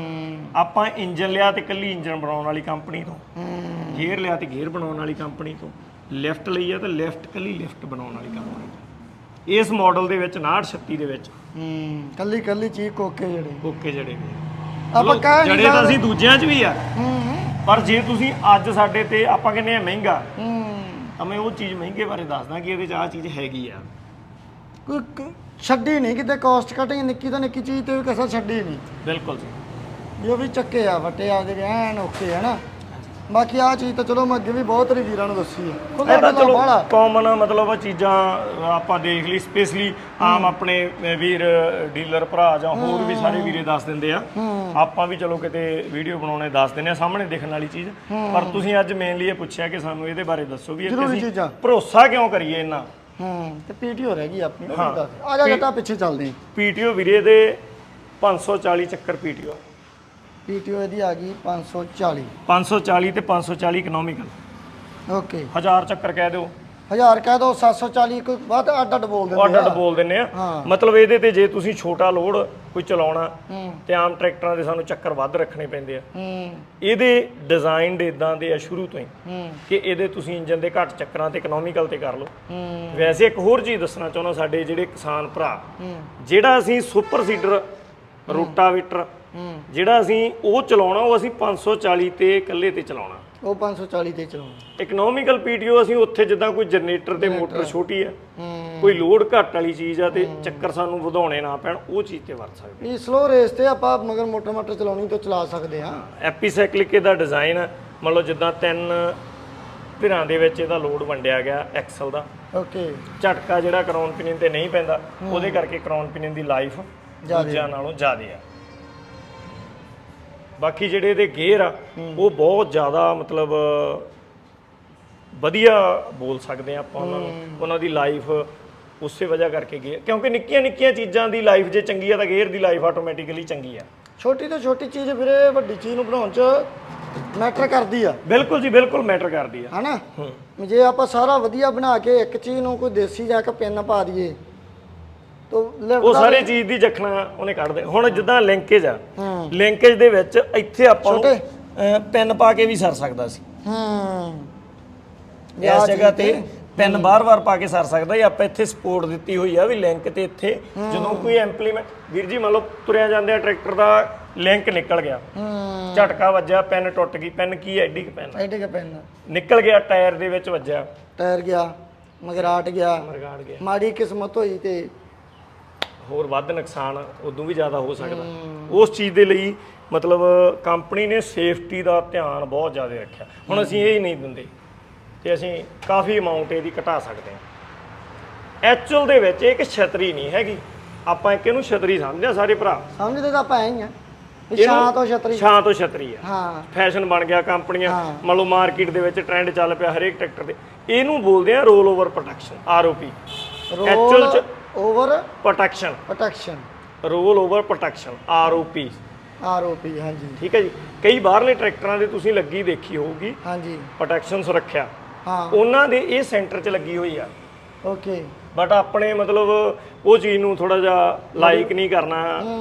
Speaker 1: ਆਪਾਂ ਇੰਜਨ ਲਿਆ ਤੇ ਕੱਲੀ ਇੰਜਨ ਬਣਾਉਣ ਵਾਲੀ ਕੰਪਨੀ ਤੋਂ, ਗੇਅਰ ਲਿਆ ਤੇ ਗੇਅਰ ਬਣਾਉਣ ਵਾਲੀ ਕੰਪਨੀ ਤੋਂ, ਲਿਫਟ ਲਈ ਆ ਤੇ ਲਿਫਟ ਕੱਲੀ ਲਿਫਟ ਬਣਾਉਣ ਵਾਲੀ ਕੰਪਨੀ ਤੋਂ। ਇਸ ਮਾਡਲ ਦੇ ਵਿੱਚ ਉਨਾਹਠ ਛੱਤੀ ਦੇ ਵਿੱਚ
Speaker 2: ਹੂੰ ਕੱਲੀ ਕੱਲੀ ਚੀਜ਼ ਕੋਕੇ ਜਿਹੜੇ
Speaker 1: ਕੋਕੇ ਜਿਹੜੇ
Speaker 2: ਆਪਾਂ ਕਹਿ ਨਹੀਂ
Speaker 1: ਜਿਹੜੇ ਤਾਂ ਅਸੀਂ ਦੂਜਿਆਂ 'ਚ ਵੀ ਆ, ਪਰ ਜੇ ਤੁਸੀਂ ਅੱਜ ਸਾਡੇ ਤੇ ਆਪਾਂ ਕਹਿੰਦੇ ਆ ਮਹਿੰਗਾ, ਤਾਂ ਮੈਂ ਉਹ ਚੀਜ਼ ਮਹਿੰਗੇ ਬਾਰੇ ਦੱਸਦਾ ਕਿ ਇਹਦੇ 'ਚ ਆਹ ਚੀਜ਼ ਹੈਗੀ ਆ।
Speaker 2: ਕੋਈ ਛੱਡੀ ਨਹੀਂ ਕਿਤੇ, ਕਾਸਟ ਕਟਿੰਗ ਨਿੱਕੀ ਤੋਂ ਨਿੱਕੀ ਚੀਜ਼ ਤੇ ਵੀ ਕਸਰ ਛੱਡੀ ਨਹੀਂ।
Speaker 1: ਬਿਲਕੁਲ ਜੀ।
Speaker 2: ਜੋ ਵੀ ਚੱਕੇ ਆ ਵੱਟੇ ਆਪਦੇ ਐਨ ਓਕੇ ਹੈ ਨਾ। ਬਾਕੀ ਆਹ ਚੀਜ਼ ਤਾਂ ਚਲੋ ਮੈਂ ਅੱਗੇ ਵੀ ਬਹੁਤ ਰੀ ਵੀਰਾਂ ਨੂੰ ਦੱਸੀ ਹੈ।
Speaker 1: ਇਹ ਤਾਂ ਚਲੋ ਕਾਮਨ ਮਤਲਬ ਚੀਜ਼ਾਂ ਆਪਾਂ ਦੇਖ ਲਈ, ਸਪੈਸ਼ਲੀ ਆਮ ਆਪਣੇ ਵੀਰ ਡੀਲਰ ਭਰਾ ਜਾਂ ਹੋਰ ਵੀ ਸਾਰੇ ਵੀਰੇ ਦੱਸ ਦਿੰਦੇ ਆ। ਆਪਾਂ ਵੀ ਚਲੋ ਕਿਤੇ ਵੀਡੀਓ ਬਣਾਉਣੇ ਦੱਸ ਦਿੰਦੇ ਆ, ਸਾਹਮਣੇ ਦੇਖਣ ਵਾਲੀ ਚੀਜ਼। ਪਰ ਤੁਸੀਂ ਅੱਜ ਮੇਨਲੀ ਇਹ ਪੁੱਛਿਆ ਕਿ ਸਾਨੂੰ ਇਹਦੇ ਬਾਰੇ ਦੱਸੋ ਵੀ ਇਹ ਅਸੀਂ ਭਰੋਸਾ ਕਿਉਂ ਕਰੀਏ ਇਹਨਾਂ।
Speaker 2: ਹੂੰ ਤੇ ਪੀਟੀਓ ਰਹਿ ਗਈ ਆਪਣੀ। ਆ ਜਾ ਜੱਟਾ ਪਿੱਛੇ ਚੱਲਦੇ।
Speaker 1: ਪੀਟੀਓ ਵੀਰੇ ਦੇ ਪੰਜ ਸੌ ਚਾਲੀ ਚੱਕਰ ਪੀਟੀਓ।
Speaker 2: ਪੀਟੀਓ ਇਹਦੀ ਆ ਗਈ ਪੰਜ ਸੌ ਚਾਲੀ।
Speaker 1: ਪੰਜ ਸੌ ਚਾਲੀ ਤੇ ਪੰਜ ਸੌ ਚਾਲੀ ਇਕਨੋਮਿਕਲ।
Speaker 2: ਓਕੇ।
Speaker 1: ਹਜ਼ਾਰ ਚੱਕਰ ਕਹਿ ਦਿਓ,
Speaker 2: ਹਜ਼ਾਰ ਕਹਿ ਦਿਓ, ਸੱਤ ਸੌ ਚਾਲੀ ਕੋਈ ਬਾਅਦ ਅੱਡ ਅੱਡ ਬੋਲ ਦਿੰਦੇ ਆ।
Speaker 1: ਅੱਡ ਅੱਡ ਬੋਲ ਦਿੰਦੇ ਆ। ਮਤਲਬ ਇਹਦੇ ਤੇ ਜੇ ਤੁਸੀਂ ਛੋਟਾ ਲੋਡ ਕੋਈ ਚਲਾਉਣਾ ਤੇ ਆਮ ਟਰੈਕਟਰਾਂ ਦੇ ਸਾਨੂੰ ਚੱਕਰ ਵੱਧ ਰੱਖਣੇ ਪੈਂਦੇ ਆ। ਇਹਦੇ ਡਿਜ਼ਾਈਨਡ ਇਦਾਂ ਦੇ ਆ ਸ਼ੁਰੂ ਤੋਂ ਹੀ ਕਿ ਇਹਦੇ ਤੁਸੀਂ ਇੰਜਨ ਦੇ ਘੱਟ ਚੱਕਰਾਂ ਤੇ ਇਕਨੋਮਿਕਲ ਤੇ ਕਰ ਲਓ। ਵੈਸੇ ਇੱਕ ਹੋਰ ਚੀਜ਼ ਦੱਸਣਾ ਚਾਹੁੰਦਾ, ਸਾਡੇ ਜਿਹੜੇ ਕਿਸਾਨ ਭਰਾ, ਜਿਹੜਾ ਅਸੀਂ ਸੁਪਰ ਸੀਡਰ ਰੋਟਾਵੇਟਰ ਜਿਹੜਾ ਅਸੀਂ ਉਹ ਚਲਾਉਣਾ, ਉਹ ਅਸੀਂ ਪੰਜ ਸੌ ਚਾਲੀ ਤੇ ਇਕੱਲੇ ਤੇ ਚਲਾਉਣਾ,
Speaker 2: ਉਹ ਪੰਜ ਸੌ ਚਾਲੀ ਤੇ ਚਲਾਉਣਾ।
Speaker 1: ਇਕਨੋਮਿਕਲ ਪੀਟੀਓ ਅਸੀਂ ਉੱਥੇ ਜਿੱਦਾਂ ਕੋਈ ਜਨਰੇਟਰ ਤੇ ਮੋਟਰ ਛੋਟੀ ਆ, ਕੋਈ ਲੋਡ ਘੱਟ ਵਾਲੀ ਚੀਜ਼ ਆ ਤੇ ਚੱਕਰ ਸਾਨੂੰ ਵਧਾਉਣੇ ਨਾ ਪੈਣ, ਉਹ ਚੀਜ਼ ਤੇ ਵਰਤ ਸਕਦੇ।
Speaker 2: ਇਹ ਸਲੋ ਰੇਸ ਤੇ ਆਪਾਂ ਮਗਰ ਮੋਟਰ ਮੋਟਰ ਚਲਾਉਣੀ ਤਾਂ ਚਲਾ ਸਕਦੇ ਆ।
Speaker 1: ਐਪੀਸਾਈਕਲਿਕ ਦਾ ਡਿਜ਼ਾਈਨ ਆ, ਮੰਨ ਲਓ ਜਿੱਦਾਂ ਤਿੰਨ ਧਿਰਾਂ ਦੇ ਵਿੱਚ ਇਹਦਾ ਲੋਡ ਵੰਡਿਆ ਗਿਆ ਐਕਸਲ ਦਾ।
Speaker 2: ਓਕੇ।
Speaker 1: ਝਟਕਾ ਜਿਹੜਾ ਕਰਾਉਨ ਪਿਨੀਅਨ ਤੇ ਨਹੀਂ ਪੈਂਦਾ, ਉਹਦੇ ਕਰਕੇ ਕਰਾਉਨ ਪਿਨੀਅਨ ਦੀ ਲਾਈਫ ਦੂਜਿਆਂ ਨਾਲੋਂ ਜ਼ਿਆਦਾ ਆ। ਬਾਕੀ ਜਿਹੜੇ ਇਹਦੇ ਗੇਅਰ ਆ ਉਹ ਬਹੁਤ ਜ਼ਿਆਦਾ ਮਤਲਬ ਵਧੀਆ ਬੋਲ ਸਕਦੇ ਆ ਆਪਾਂ ਉਹਨਾਂ ਨੂੰ, ਉਹਨਾਂ ਦੀ ਲਾਈਫ ਉਸੇ ਵਜ੍ਹਾ ਕਰਕੇ ਗਈ, ਕਿਉਂਕਿ ਨਿੱਕੀਆਂ ਨਿੱਕੀਆਂ ਚੀਜ਼ਾਂ ਦੀ ਲਾਈਫ ਜੇ ਚੰਗੀ ਆ ਤਾਂ ਗੇਅਰ ਦੀ ਲਾਈਫ ਆਟੋਮੈਟਿਕਲੀ ਚੰਗੀ ਆ।
Speaker 2: ਛੋਟੀ ਤੋਂ ਛੋਟੀ ਚੀਜ਼ ਵੀਰੇ ਵੱਡੀ ਚੀਜ਼ ਨੂੰ ਬਣਾਉਣ 'ਚ ਮੈਟਰ ਕਰਦੀ ਆ।
Speaker 1: ਬਿਲਕੁਲ ਜੀ ਬਿਲਕੁਲ ਮੈਟਰ ਕਰਦੀ ਆ
Speaker 2: ਹਨਾ। ਜੇ ਆਪਾਂ ਸਾਰਾ ਵਧੀਆ ਬਣਾ ਕੇ ਇੱਕ ਚੀਜ਼ ਨੂੰ ਕੋਈ ਦੇਸੀ ਜਾ ਕੇ ਪਿੰਨ ਪਾ ਦਈਏ ਤਾਂ
Speaker 1: ਉਹ ਸਾਰੇ ਚੀਜ਼ ਦੀ ਜਖਣਾ ਉਹਨੇ ਕੱਢ ਦੇ। ਹੁਣ ਜਿੱਦਾਂ ਲਿੰਕੇਜ ਆ, ਲਿੰਕੇਜ ਦੇ ਵਿੱਚ ਇੱਥੇ ਆਪਾਂ ਨੂੰ ਪਿੰਨ ਪਾ ਕੇ ਵੀ ਸਰ ਸਕਦਾ ਸੀ।
Speaker 2: ਹੂੰ
Speaker 1: ਇਸ ਜਗ੍ਹਾ ਤੇ ਪਿੰਨ ਬਾਰ-ਬਾਰ ਪਾ ਕੇ ਸਰ ਸਕਦਾ। ਇਹ ਆਪਾਂ ਇੱਥੇ ਸਪੋਰਟ ਦਿੱਤੀ ਹੋਈ ਆ ਵੀ ਲਿੰਕ ਤੇ ਇੱਥੇ ਜਦੋਂ ਕੋਈ ਇੰਪਲੀਮੈਂਟ ਵੀਰ ਜੀ ਮੰਨ ਲਓ ਤੁਰਿਆ ਜਾਂਦੇ ਆ ਟਰੈਕਟਰ ਦਾ ਲਿੰਕ ਨਿਕਲ ਗਿਆ, ਝਟਕਾ ਵੱਜਿਆ, ਪੈਨ ਟੁੱਟ ਗਈ। ਪੈਨ ਕੀ ਐ? ਐਡੀ ਕ ਪੈਨ
Speaker 2: ਐਡੇ ਕ ਪੈਨ
Speaker 1: ਨਿਕਲ ਗਿਆ, ਟਾਇਰ ਦੇ ਵਿੱਚ ਵੱਜਿਆ,
Speaker 2: ਟਾਇਰ ਗਿਆ, ਮਗਰਾਟ ਗਿਆ,
Speaker 1: ਮਰਗਾੜ ਗਿਆ,
Speaker 2: ਮਾੜੀ ਕਿਸਮਤ ਹੋਈ ਤੇ
Speaker 1: ਹੋਰ ਵੱਧ ਨੁਕਸਾਨ ਉਦੋਂ ਵੀ ਜ਼ਿਆਦਾ ਹੋ ਸਕਦਾ। ਉਸ ਚੀਜ਼ ਦੇ ਲਈ ਮਤਲਬ ਕੰਪਨੀ ਨੇ ਸੇਫਟੀ ਦਾ ਧਿਆਨ ਬਹੁਤ ਜ਼ਿਆਦਾ ਰੱਖਿਆ। ਹੁਣ ਅਸੀਂ ਇਹ ਹੀ ਨਹੀਂ ਦਿੰਦੇ ਤੇ ਅਸੀਂ ਕਾਫੀ ਅਮਾਉਂਟ ਇਹਦੀ ਘਟਾ ਸਕਦੇ ਹਾਂ। ਐਕਚੁਅਲ ਦੇ ਵਿੱਚ ਇਹ ਇੱਕ ਛਤਰੀ ਨਹੀਂ ਹੈਗੀ, ਆਪਾਂ ਇੱਕ ਇਹਨੂੰ ਛਤਰੀ ਸਮਝਦੇ ਆ ਸਾਰੇ ਭਰਾ।
Speaker 2: ਸਮਝਦੇ ਤਾਂ ਆਪਾਂ ਐ ਹੀ ਆ, ਛਾਂ ਤੋਂ ਛਤਰੀ।
Speaker 1: ਛਾਂ ਤੋਂ ਛਤਰੀ ਆ,
Speaker 2: ਹਾਂ
Speaker 1: ਫੈਸ਼ਨ ਬਣ ਗਿਆ। ਕੰਪਨੀਆਂ ਮੰਨ ਲਓ ਮਾਰਕੀਟ ਦੇ ਵਿੱਚ ਟ੍ਰੈਂਡ ਚੱਲ ਪਿਆ ਹਰੇਕ ਟਰੈਕਟਰ ਤੇ, ਇਹਨੂੰ ਬੋਲਦੇ ਆ roll over protection, R O P. Actual ਚ
Speaker 2: over
Speaker 1: protection,
Speaker 2: protection,
Speaker 1: roll over protection, R O P,
Speaker 2: R O P. ਹਾਂਜੀ
Speaker 1: ਠੀਕ ਹੈ ਜੀ। ਕਈ ਬਾਹਰਲੇ ਟਰੈਕਟਰਾਂ ਦੇ ਤੁਸੀਂ ਲੱਗੀ ਦੇਖੀ ਹੋਊਗੀ
Speaker 2: ਹਾਂਜੀ,
Speaker 1: ਪ੍ਰੋਟੈਕਸ਼ਨ ਸੁਰੱਖਿਆ,
Speaker 2: ਹਾਂ
Speaker 1: ਉਹਨਾਂ ਦੇ ਇਹ ਸੈਂਟਰ 'ਚ ਲੱਗੀ ਹੋਈ ਆ।
Speaker 2: ਓਕੇ।
Speaker 1: ਬਟ ਆਪਣੇ ਮਤਲਬ ਉਹ ਚੀਜ਼ ਨੂੰ ਥੋੜਾ ਜਿਹਾ ਲਾਈਕ ਨਹੀਂ ਕਰਨਾ,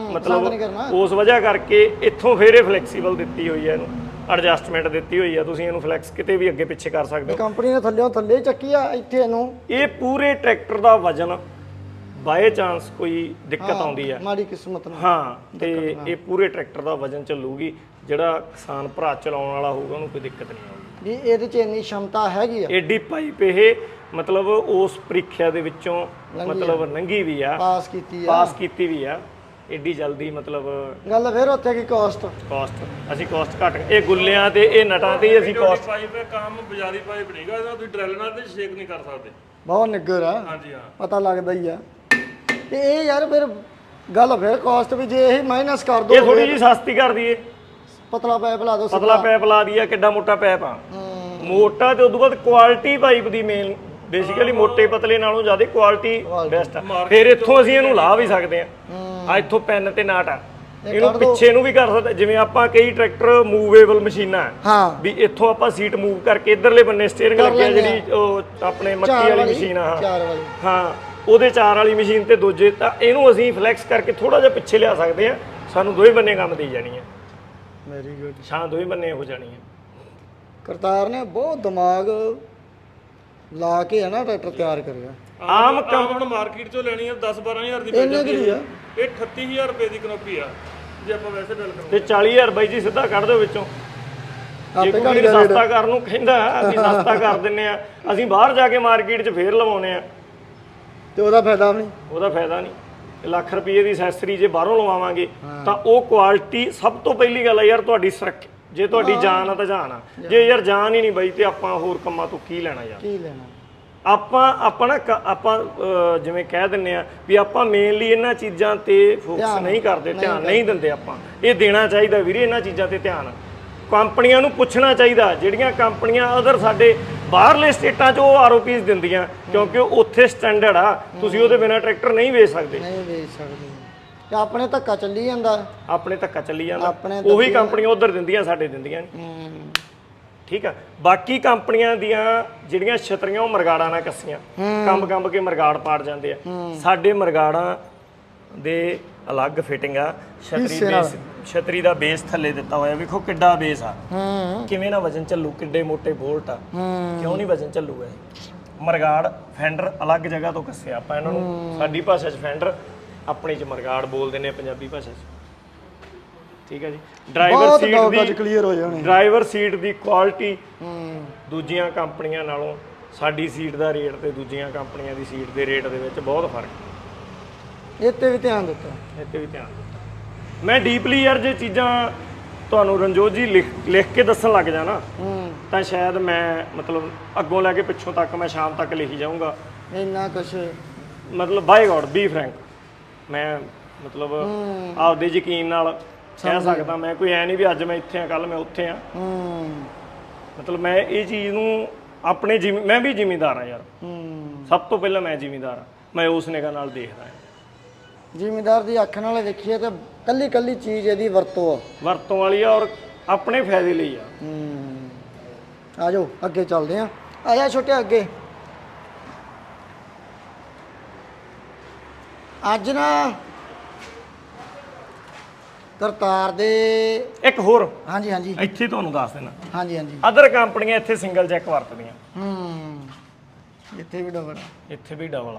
Speaker 1: ਮਤਲਬ ਉਸ ਵਜ੍ਹਾ ਕਰਕੇ ਇੱਥੋਂ ਫੇਰ ਇਹ ਫਲੈਕਸੀਬਲ ਦਿੱਤੀ ਹੋਈ ਹੈ, ਇਹਨੂੰ ਐਡਜਸਟਮੈਂਟ ਦਿੱਤੀ ਹੋਈ ਆ। ਤੁਸੀਂ ਇਹਨੂੰ ਫਲੈਕਸ ਕਿਤੇ ਵੀ ਅੱਗੇ ਪਿੱਛੇ ਕਰ ਸਕਦੇ ਹੋ।
Speaker 2: ਕੰਪਨੀ ਨੇ ਥੱਲੇੋਂ ਥੱਲੇ ਚੱਕੀ ਆ ਇੱਥੇ ਇਹਨੂੰ।
Speaker 1: ਇਹ ਪੂਰੇ ਟਰੈਕਟਰ ਦਾ ਵਜ਼ਨ ਬਾਏ ਚਾਂਸ ਕੋਈ ਦਿੱਕਤ ਆਉਂਦੀ ਆ,
Speaker 2: ਮਾੜੀ ਕਿਸਮਤ ਨਾਲ,
Speaker 1: ਹਾਂ, ਤੇ ਇਹ ਪੂਰੇ ਟਰੈਕਟਰ ਦਾ ਵਜ਼ਨ ਚੱਲੂਗੀ। ਜਿਹੜਾ ਕਿਸਾਨ ਭਰਾ ਚਲਾਉਣ ਵਾਲਾ ਹੋਊਗਾ ਉਹਨੂੰ ਕੋਈ ਦਿੱਕਤ ਨਹੀਂ ਆਊਗੀ।
Speaker 2: ਵੀ ਇਹਦੇ 'ਚ ਇੰਨੀ ਸ਼ਮਤਾ ਹੈਗੀ ਆ।
Speaker 1: ਏਡੀ ਪਾਈਪ ਇਹ ਮਤਲਬ ਉਸ ਪ੍ਰੀਖਿਆ ਦੇ ਵਿੱਚੋਂ ਮਤਲਬ ਲੰਘੀ ਵੀ ਆ,
Speaker 2: ਪਾਸ ਕੀਤੀ ਆ,
Speaker 1: ਪਾਸ ਕੀਤੀ ਵੀ ਆ। ਏਡੀ ਜਲਦੀ ਮਤਲਬ
Speaker 2: ਗੱਲ ਫਿਰ ਉੱਥੇ ਕੀ ਕਾਸਟ
Speaker 1: ਕਾਸਟ ਅਸੀਂ ਕਾਸਟ ਘੱਟ, ਇਹ ਗੁੱਲਿਆਂ ਤੇ ਇਹ ਨਟਾਂ ਤੇ ਅਸੀਂ ਕਾਸਟ
Speaker 3: ਪਾਈਪ ਹੈ, ਕੰਮ ਬਾਜ਼ਾਰੀ ਪਾਈਪ ਨਹੀਂਗਾ। ਇਹਦਾ ਤੁਸੀਂ ਡਰਿਲ ਨਾਲ ਤੇ ਸ਼ੇਕ ਨਹੀਂ ਕਰ ਸਕਦੇ।
Speaker 2: ਬਹੁਤ ਨਿੱਗਰ ਆ,
Speaker 3: ਹਾਂਜੀ ਹਾਂ,
Speaker 2: ਪਤਾ ਲੱਗਦਾ ਹੀ ਆ। ਤੇ ਇਹ ਯਾਰ ਫਿਰ ਗੱਲ ਫਿਰ ਕਾਸਟ ਵੀ ਜੇ ਇਹ ਮਾਈਨਸ ਕਰ ਦੋ,
Speaker 1: ਇਹ ਥੋੜੀ ਜੀ ਸਸਤੀ ਕਰ ਦਈਏ,
Speaker 2: ਪਤਲਾ ਪਾਈਪ ਲਾ ਦੋ,
Speaker 1: ਪਤਲਾ ਪਾਈਪ ਲਾ ਦਈਏ। ਕਿੱਡਾ ਮੋਟਾ ਪਾਈਪ ਆ, ਮੋਟਾ ਤੇ ਉਦੋਂ ਬਾਅਦ ਕੁਆਲਿਟੀ ਪਾਈਪ ਦੀ ਮੇਨ ਬੇਸਿਕਲੀ ਮੋਟੇ ਪਤਲੇ ਨਾਲੋਂ ਜ਼ਿਆਦਾ ਕੁਆਲਿਟੀ ਬੈਸਟ ਆ। ਫਿਰ ਇੱਥੋਂ ਅਸੀਂ ਇਹਨੂੰ ਲਾ ਵੀ ਸਕਦੇ ਆ। ਆ ਇੱਥੋਂ ਪੈਨ ਤੇ ਨਾਟ ਆ, ਇਹਨੂੰ ਪਿੱਛੇ ਨੂੰ ਵੀ ਕਰ ਸਕਦੇ। ਜਿਵੇਂ ਆਪਾਂ ਕਈ ਟਰੈਕਟਰ ਮੂਵੇਬਲ ਮਸ਼ੀਨਾਂ
Speaker 2: ਹਾਂ
Speaker 1: ਵੀ ਇੱਥੋਂ ਆਪਾਂ ਸੀਟ ਮੂਵ ਕਰਕੇ ਇਧਰਲੇ ਬੰਨੇ ਸਟੀਅਰਿੰਗ ਲੱਗਿਆ, ਜਿਹੜੀ ਉਹ ਆਪਣੇ ਮੱਕੀ ਵਾਲੀ ਮਸ਼ੀਨ ਆ,
Speaker 2: ਚਾਰ ਵਾਲੀ,
Speaker 1: ਹਾਂ ਉਹਦੇ ਚਾਰ ਵਾਲੀ ਮਸ਼ੀਨ ਤੇ ਦੂਜੇ, ਤਾਂ ਇਹਨੂੰ ਅਸੀਂ ਫਲੈਕਸ ਕਰਕੇ ਥੋੜਾ ਜਿਹਾ ਪਿੱਛੇ ਲਿਆ ਸਕਦੇ ਆ। ਸਾਨੂੰ ਦੋਵੇਂ ਬੰਨੇ ਕੰਮ ਦੇਈ ਜਾਣੀ ਹੈ।
Speaker 2: Very good.
Speaker 1: ਛਾਂ ਦੋਵੇਂ ਬੰਨੇ ਹੋ ਜਾਣੀ ਹੈ।
Speaker 2: ਕਰਤਾਰ ਨੇ ਬਹੁਤ ਦਿਮਾਗ ਲਾ ਕੇ ਹੈ ਨਾ ਟਰੈਕਟਰ ਤਿਆਰ ਕਰਿਆ।
Speaker 1: ਆਮ
Speaker 3: ਕੰਮ ਹੁਣ ਮਾਰਕੀਟ ਚੋਂ ਲੈਣੀ ਹੈ ਦਸ ਬਾਰਾਂ ਹਜ਼ਾਰ ਦੀ ਪੈ
Speaker 2: ਇੰਨੇ
Speaker 3: ਜਾਂਦੀ
Speaker 2: ਦੀ ਆ।
Speaker 3: ਇਹ ਅਠੱਤੀ ਹਜ਼ਾਰ ਰੁਪਏ ਦੀ ਕਨੋਪੀ ਆ ਜੇ ਆਪਾਂ ਵੈਸੇ ਡਿਲ ਕਰਾਂਗੇ।
Speaker 1: ਤੇ ਚਾਲੀ ਹਜ਼ਾਰ ਬਾਈ ਜੀ ਸਿੱਧਾ ਕੱਢ ਦਿਓ ਵਿੱਚੋਂ। ਜੇ
Speaker 2: ਆਪੇ
Speaker 1: ਕੋਈ
Speaker 2: ਘੱਟ
Speaker 1: ਸਸਤਾ ਕਰਨ ਨੂੰ ਕਹਿੰਦਾ ਅਸੀਂ ਸਸਤਾ ਕਰ ਦਿੰਨੇ ਆ, ਅਸੀਂ ਬਾਹਰ ਜਾ ਕੇ ਮਾਰਕੀਟ 'ਚ ਫੇਰ ਲਵਾਉਨੇ ਆ,
Speaker 2: ਤੇ ਉਹਦਾ ਫਾਇਦਾ ਵੀ ਨਹੀਂ,
Speaker 1: ਉਹਦਾ ਫਾਇਦਾ ਨਹੀਂ। ਲੱਖ ਰੁਪਏ ਦੀ ਐਕਸੈਸਰੀ ਜੇ ਬਾਹਰੋਂ ਲਵਾਵਾਂਗੇ ਤਾਂ ਉਹ ਕੁਆਲਿਟੀ ਸਭ ਤੋਂ ਪਹਿਲੀ ਗੱਲ ਆ ਯਾਰ ਤੁਹਾਡੀ ਸੁਰੱਖਿਆ। ਜੇ ਤੁਹਾਡੀ ਜਾਨ ਆ ਤਾਂ ਜਾਨ ਆ, ਜੇ ਯਾਰ ਜਾਨ ਹੀ ਨਹੀਂ ਬਾਈ ਤੇ ਆਪਾਂ ਹੋਰ ਕੰਮਾਂ ਤੋਂ ਕੀ ਲੈਣਾ ਯਾਰ।
Speaker 2: ਕੀ ਲੈਣਾ
Speaker 1: ਆਪਾਂ ਆਪਾਂ ਨਾ ਆਪਾਂ ਜਿਵੇਂ ਕਹਿ ਦਿੰਨੇ ਆ ਵੀ ਆਪਾਂ ਮੇਨਲੀ ਇਹਨਾਂ ਚੀਜ਼ਾਂ ਤੇ ਫੋਕਸ ਨਹੀਂ ਕਰਦੇ, ਧਿਆਨ ਨਹੀਂ ਦਿੰਦੇ। ਆਪਾਂ ਇਹ ਦੇਣਾ ਚਾਹੀਦਾ ਵੀਰੇ ਇਹਨਾਂ ਚੀਜ਼ਾਂ ਤੇ ਧਿਆਨ। ਕੰਪਨੀਆਂ ਨੂੰ ਪੁੱਛਣਾ ਚਾਹੀਦਾ, ਜਿਹੜੀਆਂ ਕੰਪਨੀਆਂ ਅਦਰ ਸਾਡੇ ਬਾਹਰਲੇ ਸਟੇਟਾਂ 'ਚ ਉਹ ਆਰ ਓ ਪੀਸ ਦਿੰਦੀਆਂ, ਕਿਉਂਕਿ ਉੱਥੇ ਸਟੈਂਡਰਡ ਆ, ਤੁਸੀਂ ਉਹਦੇ ਬਿਨਾਂ ਟਰੈਕਟਰ ਨਹੀਂ ਵੇਚ ਸਕਦੇ।
Speaker 2: ਨਹੀਂ ਵੇਚ ਸਕਦੇ। ਤੇ ਆਪਣੇ ਧੱਕਾ ਚੱਲੀ ਜਾਂਦਾ,
Speaker 1: ਆਪਣੇ ਧੱਕਾ ਚੱਲੀ ਜਾਂਦਾ। ਉਹੀ ਕੰਪਨੀਆਂ ਉਧਰ ਦਿੰਦੀਆਂ, ਸਾਡੇ ਦਿੰਦੀਆਂ ਨਹੀਂ। ਠੀਕ ਆ। ਬਾਕੀ ਕੰਪਨੀਆਂ ਦੀਆਂ ਜਿਹੜੀਆਂ ਛਤਰੀਆਂ ਉਹ ਮਰਗਾੜਾਂ ਨਾਲ ਕੱਸੀਆਂ, ਕੰਬ ਕੰਬ ਕੇ ਮਰਗਾੜ ਪਾੜ ਜਾਂਦੇ ਆ। ਸਾਡੇ ਮਰਗਾੜਾਂ ਦੇ ਅਲੱਗ ਫਿਟਿੰਗ ਆ। ਛਤਰੀ ਬੇਸ, ਛਤਰੀ ਦਾ ਬੇਸ ਥੱਲੇ ਦਿੱਤਾ ਹੋਇਆ, ਵੇਖੋ ਕਿੱਡਾ ਬੇਸ ਆ, ਕਿਵੇਂ ਨਾ ਵਜਨ ਚੱਲੂ, ਕਿੱਡੇ ਮੋਟੇ ਬੋਲਟ ਆ, ਕਿਉਂ ਨਹੀਂ ਵਜਨ ਚੱਲੂਗਾ। ਮਰਗਾੜ ਫੈਂਡਰ ਅਲੱਗ ਜਗ੍ਹਾ ਤੋਂ ਕੱਸਿਆ ਆਪਾਂ ਇਹਨਾਂ ਨੂੰ। ਸਾਡੀ ਭਾਸ਼ਾ 'ਚ ਫੈਂਡਰ, ਆਪਣੀ 'ਚ ਮਰਗਾੜ ਬੋਲਦੇ ਨੇ ਪੰਜਾਬੀ ਭਾਸ਼ਾ 'ਚ। ਠੀਕ ਹੈ ਜੀ। ਡਰਾਈਵਰ ਸੀਟ ਦੀ
Speaker 2: ਕਲੀਅਰ ਹੋ ਜਾਣੀ,
Speaker 1: ਡਰਾਈਵਰ ਸੀਟ ਦੀ ਕੁਆਲਿਟੀ ਦੂਜੀਆਂ ਕੰਪਨੀਆਂ ਨਾਲੋਂ ਸਾਡੀ ਸੀਟ ਦਾ ਰੇਟ ਤੇ ਦੂਜੀਆਂ ਕੰਪਨੀਆਂ ਦੀ ਸੀਟ ਦੇ ਰੇਟ ਦੇ ਵਿੱਚ ਬਹੁਤ ਫਰਕ।
Speaker 2: ਇਹ ਤੇ ਵੀ ਧਿਆਨ ਦਿੱਤਾ,
Speaker 1: ਇਹ ਤੇ ਵੀ ਧਿਆਨ ਦਿੱਤਾ। ਮੈਂ ਡੀਪਲੀ ਯਾਰ ਜੇ ਚੀਜ਼ਾਂ ਤੁਹਾਨੂੰ ਰਣਜੋਤ ਜੀ ਲਿਖ ਲਿਖ ਕੇ ਦੱਸਣ ਲੱਗ ਜਾਣਾ ਤਾਂ ਸ਼ਾਇਦ ਮੈਂ ਮਤਲਬ ਅੱਗੋਂ ਲੈ ਕੇ ਪਿੱਛੋਂ ਤੱਕ ਮੈਂ ਸ਼ਾਮ ਤੱਕ ਲਿਖੀ ਜਾਊਂਗਾ।
Speaker 2: ਇੰਨਾ ਕੁਛ
Speaker 1: ਮਤਲਬ ਬਾਈ ਗॉड ਬੀ ਫਰੈਂਕ, ਮੈਂ ਮਤਲਬ ਆਪਦੇ ਯਕੀਨ ਨਾਲ ਕਹਿ ਸਕਦਾ। ਮੈਂ ਕੋਈ ਐ ਨਹੀਂ ਵੀ ਅੱਜ ਮੈਂ ਇੱਥੇ ਆ ਕੱਲ ਮੈਂ ਉੱਥੇ ਆ। ਮਤਲਬ ਮੈਂ ਇਹ ਚੀਜ਼ ਨੂੰ ਆਪਣੇ ਜਿਮੀ ਮੈਂ ਵੀ ਜ਼ਿਮੀਂਦਾਰ ਆ ਯਾਰ,
Speaker 2: ਹੂੰ
Speaker 1: ਸਭ ਤੋਂ ਪਹਿਲਾਂ ਮੈਂ ਜ਼ਿਮੀਂਦਾਰ ਆ, ਮੈਂ ਉਸ ਨਿਗਾਹ ਨਾਲ ਦੇਖਦਾ ਹਾਂ।
Speaker 2: ਜ਼ਿਮੀਂਦਾਰ ਦੀ ਅੱਖ ਨਾਲ ਵੇਖੀਏ ਤਾਂ ਕੱਲੀ ਕੱਲੀ ਚੀਜ਼ ਇਹਦੀ ਵਰਤੋਂ ਆ,
Speaker 1: ਵਰਤੋਂ ਵਾਲੀ ਆ ਔਰ ਆਪਣੇ ਫਾਇਦੇ ਲਈ ਆ।
Speaker 2: ਹੂੰ ਆ ਜਾਓ ਅੱਗੇ ਚੱਲਦੇ ਆ, ਆ ਜਾ ਛੋਟੇ ਅੱਗੇ। ਅੱਜ ਨਾ ਕਰਤਾਰ ਦੇ
Speaker 1: ਇੱਕ ਹੋਰ
Speaker 2: ਹਾਂਜੀ ਹਾਂਜੀ
Speaker 1: ਇੱਥੇ ਤੁਹਾਨੂੰ ਦੱਸ ਦੇਣਾ,
Speaker 2: ਹਾਂਜੀ ਹਾਂਜੀ
Speaker 1: ਅਦਰ ਕੰਪਨੀਆਂ ਇੱਥੇ ਸਿੰਗਲ ਚੈੱਕ ਵਰਤਦੀਆਂ,
Speaker 2: ਹੂੰ ਇੱਥੇ ਵੀ ਡਬਲ
Speaker 1: ਇੱਥੇ ਵੀ ਡਬਲ ਆ।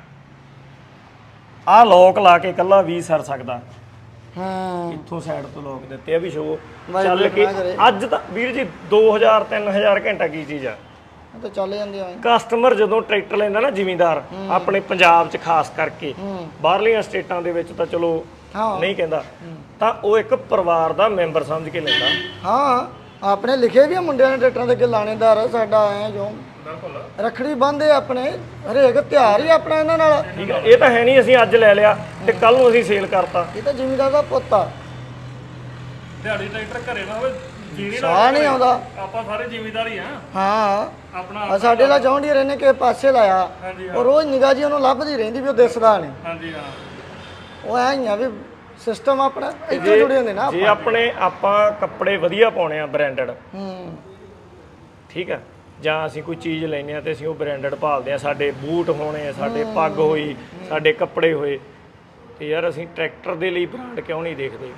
Speaker 1: ਆਹ ਲੋਕ ਲਾ ਕੇ ਇਕੱਲਾ ਵੀ ਸਰ ਸਕਦਾ,
Speaker 2: ਹਾਂ
Speaker 1: ਇੱਥੋਂ ਸਾਈਡ ਤੋਂ ਲੋਕ ਦਿੱਤੇ ਆ ਵੀ ਸ਼ੋ
Speaker 2: ਵਾਹਿਗੁਰੂ
Speaker 1: ਚੱਲ ਕੇ।
Speaker 2: ਨਾ ਕਰੇ।
Speaker 1: ਅੱਜ ਤਾਂ ਵੀਰ ਜੀ ਦੋ ਹਜ਼ਾਰ ਤਿੰਨ ਹਜ਼ਾਰ ਘੰਟਾ ਕੀ ਚੀਜ਼ ਆ।
Speaker 2: ਇਹ ਤਾਂ ਚੱਲ ਜਾਂਦੇ ਆ।
Speaker 1: ਕਸਟਮਰ ਜਦੋਂ ਟਰੈਕਟਰ ਲੈਂਦਾ ਨਾ ਜ਼ਿਮੀਂਦਾਰ, ਆਪਣੇ ਪੰਜਾਬ 'ਚ ਖਾਸ ਕਰਕੇ,
Speaker 2: ਹੂੰ
Speaker 1: ਬਾਹਰਲੀਆਂ ਸਟੇਟਾਂ ਦੇ ਵਿੱਚ ਤਾਂ ਚਲੋ
Speaker 2: ਹਾਂ
Speaker 1: ਨਹੀਂ ਕਹਿੰਦਾ, ਤਾਂ ਉਹ ਇੱਕ ਪਰਿਵਾਰ ਦਾ ਮੈਂਬਰ ਸਮਝ ਕੇ ਲੈਂਦਾ।
Speaker 2: ਹਾਂ ਆਪਣੇ ਲਿਖੇ ਵੀ ਆ ਮੁੰਡਿਆਂ ਨੇ ਟਰੈਕਟਰਾਂ ਦੇ ਅੱਗੇ ਲਾਣੇਦਾਰ ਆ ਸਾਡਾ ਐ ਜੋ
Speaker 3: ਬਿਲਕੁਲ
Speaker 2: ਰੱਖੜੀ ਬੰਨ੍ਹਦੇ ਆਪਣੇ, ਹਰੇਕ ਤਿਉਹਾਰ ਹੀ ਆਪਣਾ ਇਹਨਾਂ ਨਾਲ।
Speaker 1: ਠੀਕ ਹੈ, ਇਹ ਤਾਂ ਹੈ ਨਹੀਂ ਅਸੀਂ ਅੱਜ ਲੈ ਲਿਆ ਤੇ ਕੱਲ ਨੂੰ ਅਸੀਂ ਸੇਲ ਕਰਤਾ।
Speaker 2: ਇਹ ਤਾਂ ਜ਼ਿਮੀਂਦਾਰ ਦਾ ਪੁੱਤ ਆ,
Speaker 3: ਦਿਹਾੜੀ ਟਰੈਕਟਰ ਘਰੇ ਨਾ ਹੋਵੇ ਜੀਰੀ
Speaker 2: ਸਾਹ ਨਹੀਂ ਆਉਂਦਾ।
Speaker 3: ਆਪਾਂ ਸਾਰੇ ਜ਼ਿਮੀਂਦਾਰ ਹੀ ਆ
Speaker 2: ਹਾਂ
Speaker 3: ਆਪਣਾ।
Speaker 2: ਆ ਸਾਡੇ ਨਾਲ ਜੌਂਡੀਅਰ ਇਹਨੇ ਕਿਸੇ ਪਾਸੇ ਲਾਇਆ,
Speaker 3: ਹਾਂਜੀ
Speaker 2: ਉਹ ਰੋਜ਼ ਨਿਗਾਹ ਜੀ ਉਹਨੂੰ ਲੱਭਦੀ ਰਹਿੰਦੀ ਵੀ ਉਹ ਦਿਸਦਾ ਨਹੀਂ।
Speaker 3: ਹਾਂਜੀ ਹਾਂ
Speaker 2: ਉਹ ਐ ਹੀ ਆ ਵੀ ਸਿਸਟਮ ਆਪਣਾ ਇੱਥੇ ਜੁੜੇ ਹੁੰਦੇ ਨਾ।
Speaker 1: ਜੇ ਆਪਣੇ ਆਪਾਂ ਕੱਪੜੇ ਵਧੀਆ ਪਾਉਣੇ ਆ ਬ੍ਰਾਂਡਡ,
Speaker 2: ਹੂੰ
Speaker 1: ਠੀਕ ਹੈ, ਜਾਂ ਅਸੀਂ ਕੋਈ ਚੀਜ਼ ਲੈਨੇ ਆ ਤੇ ਅਸੀਂ ਉਹ ਬ੍ਰਾਂਡਡ ਭਾਲਦੇ ਆ, ਸਾਡੇ ਬੂਟ ਹੋਣੇ, ਸਾਡੇ ਪੱਗ ਹੋਈ, ਸਾਡੇ ਕੱਪੜੇ ਹੋਏ, ਤੇ ਯਾਰ ਅਸੀਂ ਟਰੈਕਟਰ ਦੇ ਲਈ ਬ੍ਰਾਂਡ ਕਿਉਂ ਨਹੀਂ ਦੇਖਦੇ?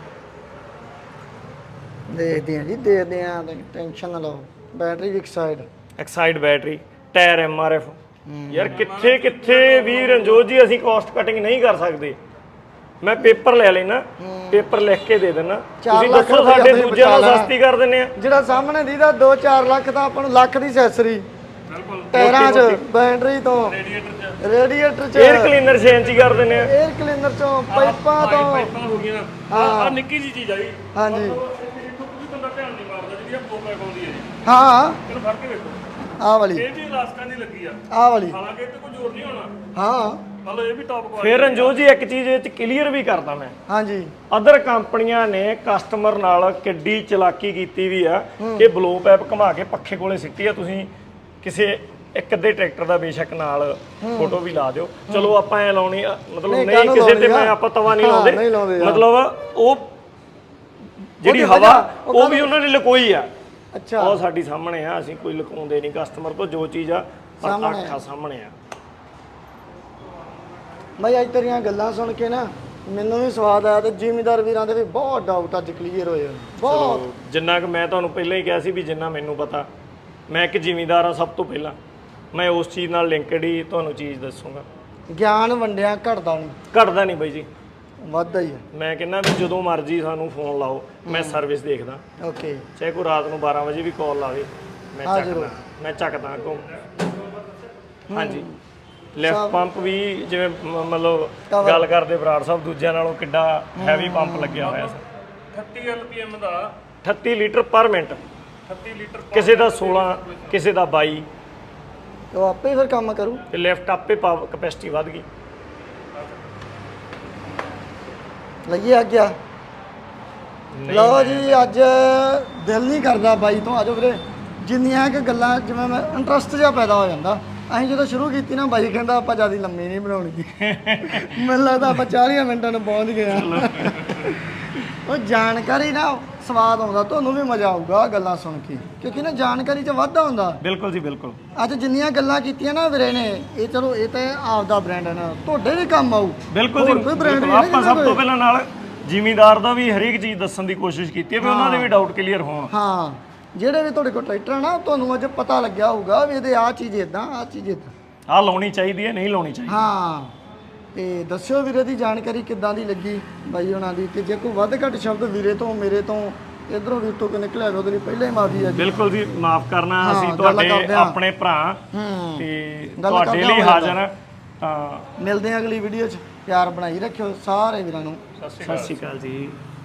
Speaker 2: ਦੇਖਦੇ ਆ ਜੀ ਦੇਖਦੇ ਆ, ਟੈਨਸ਼ਨ ਨਾ ਲਓ। ਬੈਟਰੀ ਵੀ ਇੱਕ side,
Speaker 1: Exide battery, tyre M R F. ਯਾਰ ਕਿੱਥੇ ਕਿੱਥੇ ਵੀ ਰਣਜੋਤ ਜੀ ਅਸੀਂ ਕਾਸਟ ਕਟਿੰਗ ਨਹੀਂ ਕਰ ਸਕਦੇ। ਮੈਂ ਪੇਪਰ ਲੈ ਲੈਣਾ, ਪੇਪਰ ਲਿਖ ਕੇ ਦੇ ਦੇਣਾ, ਤੁਸੀਂ
Speaker 2: ਲੱਖ
Speaker 1: ਦੱਸੋ
Speaker 2: ਰੁਪਇਆ
Speaker 1: ਸਾਡੇ
Speaker 2: ਤੁਸੀਂ
Speaker 1: ਦੂਜਿਆਂ ਨਾਲ
Speaker 2: ਬਚਾ ਲੈਣਾ।
Speaker 1: ਸਸਤੀ ਕਰ ਦਿੰਨੇ ਆ।
Speaker 2: ਜਿਹੜਾ ਸਾਹਮਣੇ ਦੀਦਾ ਦੋ ਚਾਰ ਲੱਖ ਤਾਂ ਆਪਾਂ ਨੂੰ ਲੱਖ ਦੀ ਸੈਸਰੀ,
Speaker 3: ਬਿਲਕੁਲ
Speaker 2: ਟਾਇਰਾਂ 'ਚ, ਬੈਟਰੀ ਤੋਂ,
Speaker 3: ਰੇਡੀਏਟਰ ਚ
Speaker 2: ਰੇਡੀਏਟਰ 'ਚ,
Speaker 1: 에ਅਰ ਕਲੀਨਰ ਛੇ ਕਰ ਦਿੰਨੇ ਆ।
Speaker 2: 에ਅਰ ਕਲੀਨਰ 'ਚੋਂ, ਪਾਈਪਾਂ ਤੋਂ।
Speaker 3: ਪਾਈਪਾਂ ਹੋ ਗਈਆਂ ਆ ਆ ਨਿੱਕੀ ਜੀ ਚੀਜ਼ ਆ ਜੀ।
Speaker 2: ਹਾਂਜੀ
Speaker 3: ਇੱਥੋਂ ਕੋਈ ਬੰਦਾ ਧਿਆਨ ਨਹੀਂ ਮਾਰਦਾ ਜਿਹੜੀ ਆ ਪੋਪਾ ਪਾਉਂਦੀ ਹੈ ਜੀ।
Speaker 2: ਹਾਂ
Speaker 3: ਇਹਨੂੰ ਫੜ ਕੇ ਵੇਖੋ,
Speaker 2: ਆਹ ਵਾਲੀ,
Speaker 3: ਇਹ ਵੀ ਇਲਾਸਟਿਕਾਂ ਦੀ ਲੱਗੀ ਆ,
Speaker 2: ਆਹ ਵਾਲੀ,
Speaker 3: ਹਾਲਾਂਕਿ ਇਹ ਤੇ ਕੋਈ ਜ਼ੋਰ ਨਹੀਂ ਹੋਣਾ।
Speaker 2: ਹਾਂ
Speaker 3: ਮਤਲਬ ਇਹ ਵੀ ਟੌਪ ਕੁਆਲਿਟੀ।
Speaker 1: ਫਿਰ ਰਣਜੋਤ ਜੀ ਇੱਕ ਚੀਜ਼ ਇਹ ਚ ਕਲੀਅਰ ਵੀ ਕਰਦਾ ਮੈਂ,
Speaker 2: ਹਾਂਜੀ
Speaker 1: ਅਦਰ ਕੰਪਨੀਆਂ ਨੇ ਕਸਟਮਰ ਨਾਲ ਕਿੱਡੀ ਚਲਾਕੀ ਕੀਤੀ ਵੀ ਆ ਕਿ ਬਲੋ ਪੈਪ ਘੁਮਾ ਕੇ ਪੱਖੇ ਕੋਲੇ ਸਿੱਟੀ ਆ। ਤੁਸੀਂ ਕਿਸੇ ਇੱਕ ਅੱਧੇ ਟਰੈਕਟਰ ਦਾ ਬੇਸ਼ੱਕ ਨਾਲ ਫੋਟੋ ਵੀ ਲਾ ਦਿਓ, ਚਲੋ ਆਪਾਂ ਐ ਲਾਉਣੀ ਆ, ਮਤਲਬ
Speaker 2: ਨਹੀਂ,
Speaker 1: ਨਹੀਂ
Speaker 2: ਕਾਹਨੂੰ
Speaker 1: ਕਿਸੇ ਤੇ
Speaker 2: ਲਾਉਣੀ ਆ?
Speaker 1: ਮੈਂ ਆਪਾਂ ਤਵਾ ਨਹੀਂ
Speaker 2: ਹਾਂ,
Speaker 1: ਲਾਉਂਦੇ,
Speaker 2: ਨਹੀਂ ਲਾਉਂਦੇ ਯਾਰ।
Speaker 1: ਮਤਲਬ ਉਹ ਜਿਹੜੀ
Speaker 2: ਉਹਦੀ
Speaker 1: ਹਵਾ
Speaker 2: ਵਜ੍ਹਾ, ਉਹ
Speaker 1: ਉਹ ਵੀ ਉਹਨਾਂ ਨੇ ਲੁਕੋਈ ਆ।
Speaker 2: ਅੱਛਾ
Speaker 1: ਉਹ ਸਾਡੀ ਸਾਹਮਣੇ ਆ, ਅਸੀਂ ਕੋਈ ਲੁਕਾਉਂਦੇ ਨਹੀਂ ਕਸਟਮਰ ਤੋਂ, ਜੋ ਚੀਜ਼ ਆ
Speaker 2: ਸਾਹਮਣੇ ਆ।
Speaker 1: ਅੱਖਾਂ ਸਾਹਮਣੇ ਆ।
Speaker 2: ਮੈਂ ਅੱਜ ਤੇਰੀਆਂ ਗੱਲਾਂ ਸੁਣ ਕੇ ਨਾ ਮੈਨੂੰ ਵੀ ਸਵਾਦ ਆਇਆ, ਤੇ ਜ਼ਿਮੀਂਦਾਰ ਵੀਰਾਂ ਦੇ ਵੀ ਬਹੁਤ ਡਾਊਟ ਅੱਜ ਕਲੀਅਰ ਹੋਏ ਆ, ਬਹੁਤ।
Speaker 1: ਚਲੋ, ਜਿੰਨਾ ਕਿ ਮੈਂ ਤੁਹਾਨੂੰ ਪਹਿਲਾਂ ਹੀ ਕਿਹਾ ਸੀ ਵੀ ਜਿੰਨਾ ਮੈਨੂੰ ਪਤਾ, ਮੈਂ ਇੱਕ ਜ਼ਿਮੀਂਦਾਰ ਆ, ਸਭ ਤੋਂ ਪਹਿਲਾਂ ਮੈਂ ਉਸ ਚੀਜ਼ ਨਾਲ ਲਿੰਕਡ ਹੀ ਤੁਹਾਨੂੰ ਚੀਜ਼ ਦੱਸੂਗਾ।
Speaker 2: ਗਿਆਨ ਵੰਡਿਆ ਘਟਦਾ ਨਹੀਂ,
Speaker 1: ਘਟਦਾ ਨਹੀਂ ਬਾਈ ਜੀ,
Speaker 2: ਵੱਧਦਾ ਹੀ ਹੈ।
Speaker 1: ਮੈਂ ਕਹਿੰਦਾ ਵੀ ਜਦੋਂ ਮਰਜ਼ੀ ਸਾਨੂੰ ਫੋਨ ਲਾਓ, ਮੈਂ ਸਰਵਿਸ ਦੇਖਦਾ,
Speaker 2: ਓਕੇ
Speaker 1: ਚਾਹੇ ਕੋਈ ਰਾਤ ਨੂੰ ਬਾਰਾਂ ਵਜੇ ਵੀ ਕਾਲ ਲਾਵੇ, ਮੈਂ
Speaker 2: ਹਾਂ,
Speaker 1: ਚੱਕਦਾ,
Speaker 2: ਜ਼ਰੂਰ।
Speaker 1: ਮੈਂ ਚੱਕਦਾ ਅੱਗੋਂ। ਹਾਂਜੀ, ਲਿਫਟ ਪੰਪ ਵੀ ਜਿਵੇਂ ਮ- ਮਤਲਬ
Speaker 2: Cover।
Speaker 1: ਗੱਲ ਕਰਦੇ ਬਰਾੜ ਸਾਹਿਬ, ਦੂਜਿਆਂ ਨਾਲੋਂ ਕਿੱਡਾ ਹੈਵੀ ਪੰਪ ਲੱਗਿਆ ਹੋਇਆ ਸੀ।
Speaker 3: ਅਠੱਤੀ ਐਲ ਪੀ ਐਮ ਦਾ
Speaker 1: ਅਠੱਤੀ ਲੀਟਰ ਪਰ ਮਿੰਟ,
Speaker 3: ਅਠੱਤੀ ਲੀਟਰ
Speaker 1: ਕਿਸੇ ਦਾ ਸੋਲਾਂ, ਕਿਸੇ ਦਾ ਬਾਈ,
Speaker 2: ਉਹ ਆਪੇ ਹੀ ਫਿਰ ਕੰਮ ਕਰੂ।
Speaker 1: ਤੇ ਲਿਫਟ ਆਪੇ ਪਾਵਰ ਕਪੈਸਿਟੀ ਵੱਧ ਗਈ।
Speaker 2: ਲਈਏ ਆ ਗਿਆ। ਲਓ ਜੀ, ਅੱਜ ਦਿਲ ਨਹੀਂ ਕਰਦਾ ਬਾਈ ਤੋਂ, ਆਜੋ ਵੀਰੇ। ਜਿੰਨੀਆਂ ਕਿ ਗੱਲਾਂ ਜਿਵੇਂ ਮੈਂ ਇੰਟਰਸਟ ਜਿਹਾ ਪੈਦਾ ਹੋ ਜਾਂਦਾ। ਅਸੀਂ ਜਦੋਂ ਸ਼ੁਰੂ ਕੀਤੀ ਨਾ, ਬਾਈ ਕਹਿੰਦਾ ਆਪਾਂ ਜਿਆਦਾ ਲੰਮੀ ਨਹੀਂ ਬਣਾਉਣੀ। ਮੈਨੂੰ ਲੱਗਦਾ ਆਪਾਂ ਚਾਲੀ ਮਿੰਟਾਂ ਨੂੰ ਪਹੁੰਚ ਗਏ ਆ। ਉਹ ਜਾਣਕਾਰੀ ਨਾ ਸਵਾਦ ਆਉਂਦਾ, ਤੁਹਾਨੂੰ ਵੀ ਮਜ਼ਾ ਆਊਗਾ ਗੱਲਾਂ ਸੁਣ ਕੇ, ਕਿਉਂਕਿ ਨਾ ਜਾਣਕਾਰੀ 'ਚ ਵਾਧਾ ਹੁੰਦਾ।
Speaker 1: ਬਿਲਕੁਲ ਜੀ ਬਿਲਕੁਲ।
Speaker 2: ਅੱਜ ਜਿੰਨੀਆਂ ਗੱਲਾਂ ਕੀਤੀਆਂ ਨਾ ਵੀਰੇ ਨੇ, ਇਹ ਚਲੋ ਇਹ ਤਾਂ ਆਪਦਾ ਬ੍ਰਾਂਡ ਹੈ ਨਾ, ਤੁਹਾਡੇ ਵੀ ਕੰਮ ਆਊ।
Speaker 1: ਬਿਲਕੁਲ ਜੀ,
Speaker 2: ਹੋਰ ਕੋਈ brand
Speaker 1: ਬਿਲਕੁਲ।
Speaker 2: ਨਹੀਂ
Speaker 1: ਆਪਾਂ
Speaker 2: ਨਾ
Speaker 1: ਸਭ ਤੋਂ ਪਹਿਲਾਂ ਨਾਲ ਜ਼ਿਮੀਂਦਾਰ ਦਾ ਵੀ ਹਰੇਕ ਚੀਜ਼ ਦੱਸਣ ਦੀ ਕੋਸ਼ਿਸ਼ ਕੀਤੀ ਹੈ ਵੀ ਉਹਨਾਂ ਦੇ ਵੀ ਡਾਊਟ ਕਲੀਅਰ ਹੋਣ।
Speaker 2: ਹਾਂ, ਜਿਹੜੇ ਵੀ ਤੁਹਾਡੇ ਕੋਲ ਟਰੈਕਟਰ ਹੈ ਨਾ, ਤੁਹਾਨੂੰ ਅੱਜ ਪਤਾ ਲੱਗਿਆ ਹੋਊਗਾ ਵੀ ਇਹਦੇ ਆਹ ਚੀਜ਼ ਇਦਾਂ, ਆਹ ਚੀਜ਼ ਇਦਾਂ।
Speaker 1: ਆਹ ਲਾਉਣੀ ਚਾਹੀਦੀ ਹੈ, ਨਹੀਂ ਲਾਉਣੀ ਚਾਹੀਦੀ।
Speaker 2: ਹਾਂ, ਤੇ ਦੱਸਿਓ ਵੀਰੇ ਦੀ ਜਾਣਕਾਰੀ ਕਿੱਦਾਂ ਦੀ ਲੱਗੀ ਬਾਈ ਉਹਨਾਂ ਦੀ, ਤੇ ਜੇ ਕੋਈ ਵੱਧ ਘੱਟ ਸ਼ਬਦ ਵੀਰੇ ਤੋਂ ਮੇਰੇ ਤੋਂ ਇਧਰੋਂ ਵੀ ਤੋਂ ਨਿਕਲਿਆ ਉਹਦੇ ਲਈ ਪਹਿਲਾਂ ਹੀ ਮਾਫੀ ਹੈ ਜੀ।
Speaker 1: ਬਿਲਕੁਲ ਜੀ, ਮਾਫ ਕਰਨਾ,
Speaker 2: ਹਾਂ,
Speaker 1: ਅਸੀਂ
Speaker 2: ਗੱਲ
Speaker 1: ਤੁਹਾਡੇ
Speaker 2: ਕਰਦੇ ਹਾਂ।
Speaker 1: ਆਪਣੇ ਭਰਾ
Speaker 2: ਹੂੰ,
Speaker 1: ਤੇ
Speaker 2: ਗੱਲ
Speaker 1: ਤੁਹਾਡੇ
Speaker 2: ਕਰਦੇ
Speaker 1: ਲਈ
Speaker 2: ਹਾਂ।
Speaker 1: ਹਾਜ਼ਰ ਹਾਂ। ਤਾਂ
Speaker 2: ਮਿਲਦੇ ਹਾਂ ਅਗਲੀ ਵੀਡੀਓ 'ਚ। ਪਿਆਰ ਬਣਾਈ ਰੱਖਿਓ ਸਾਰੇ ਵੀਰਾਂ ਨੂੰ।
Speaker 1: ਸਤਿ ਸ਼੍ਰੀ ਅਕਾਲ ਜੀ।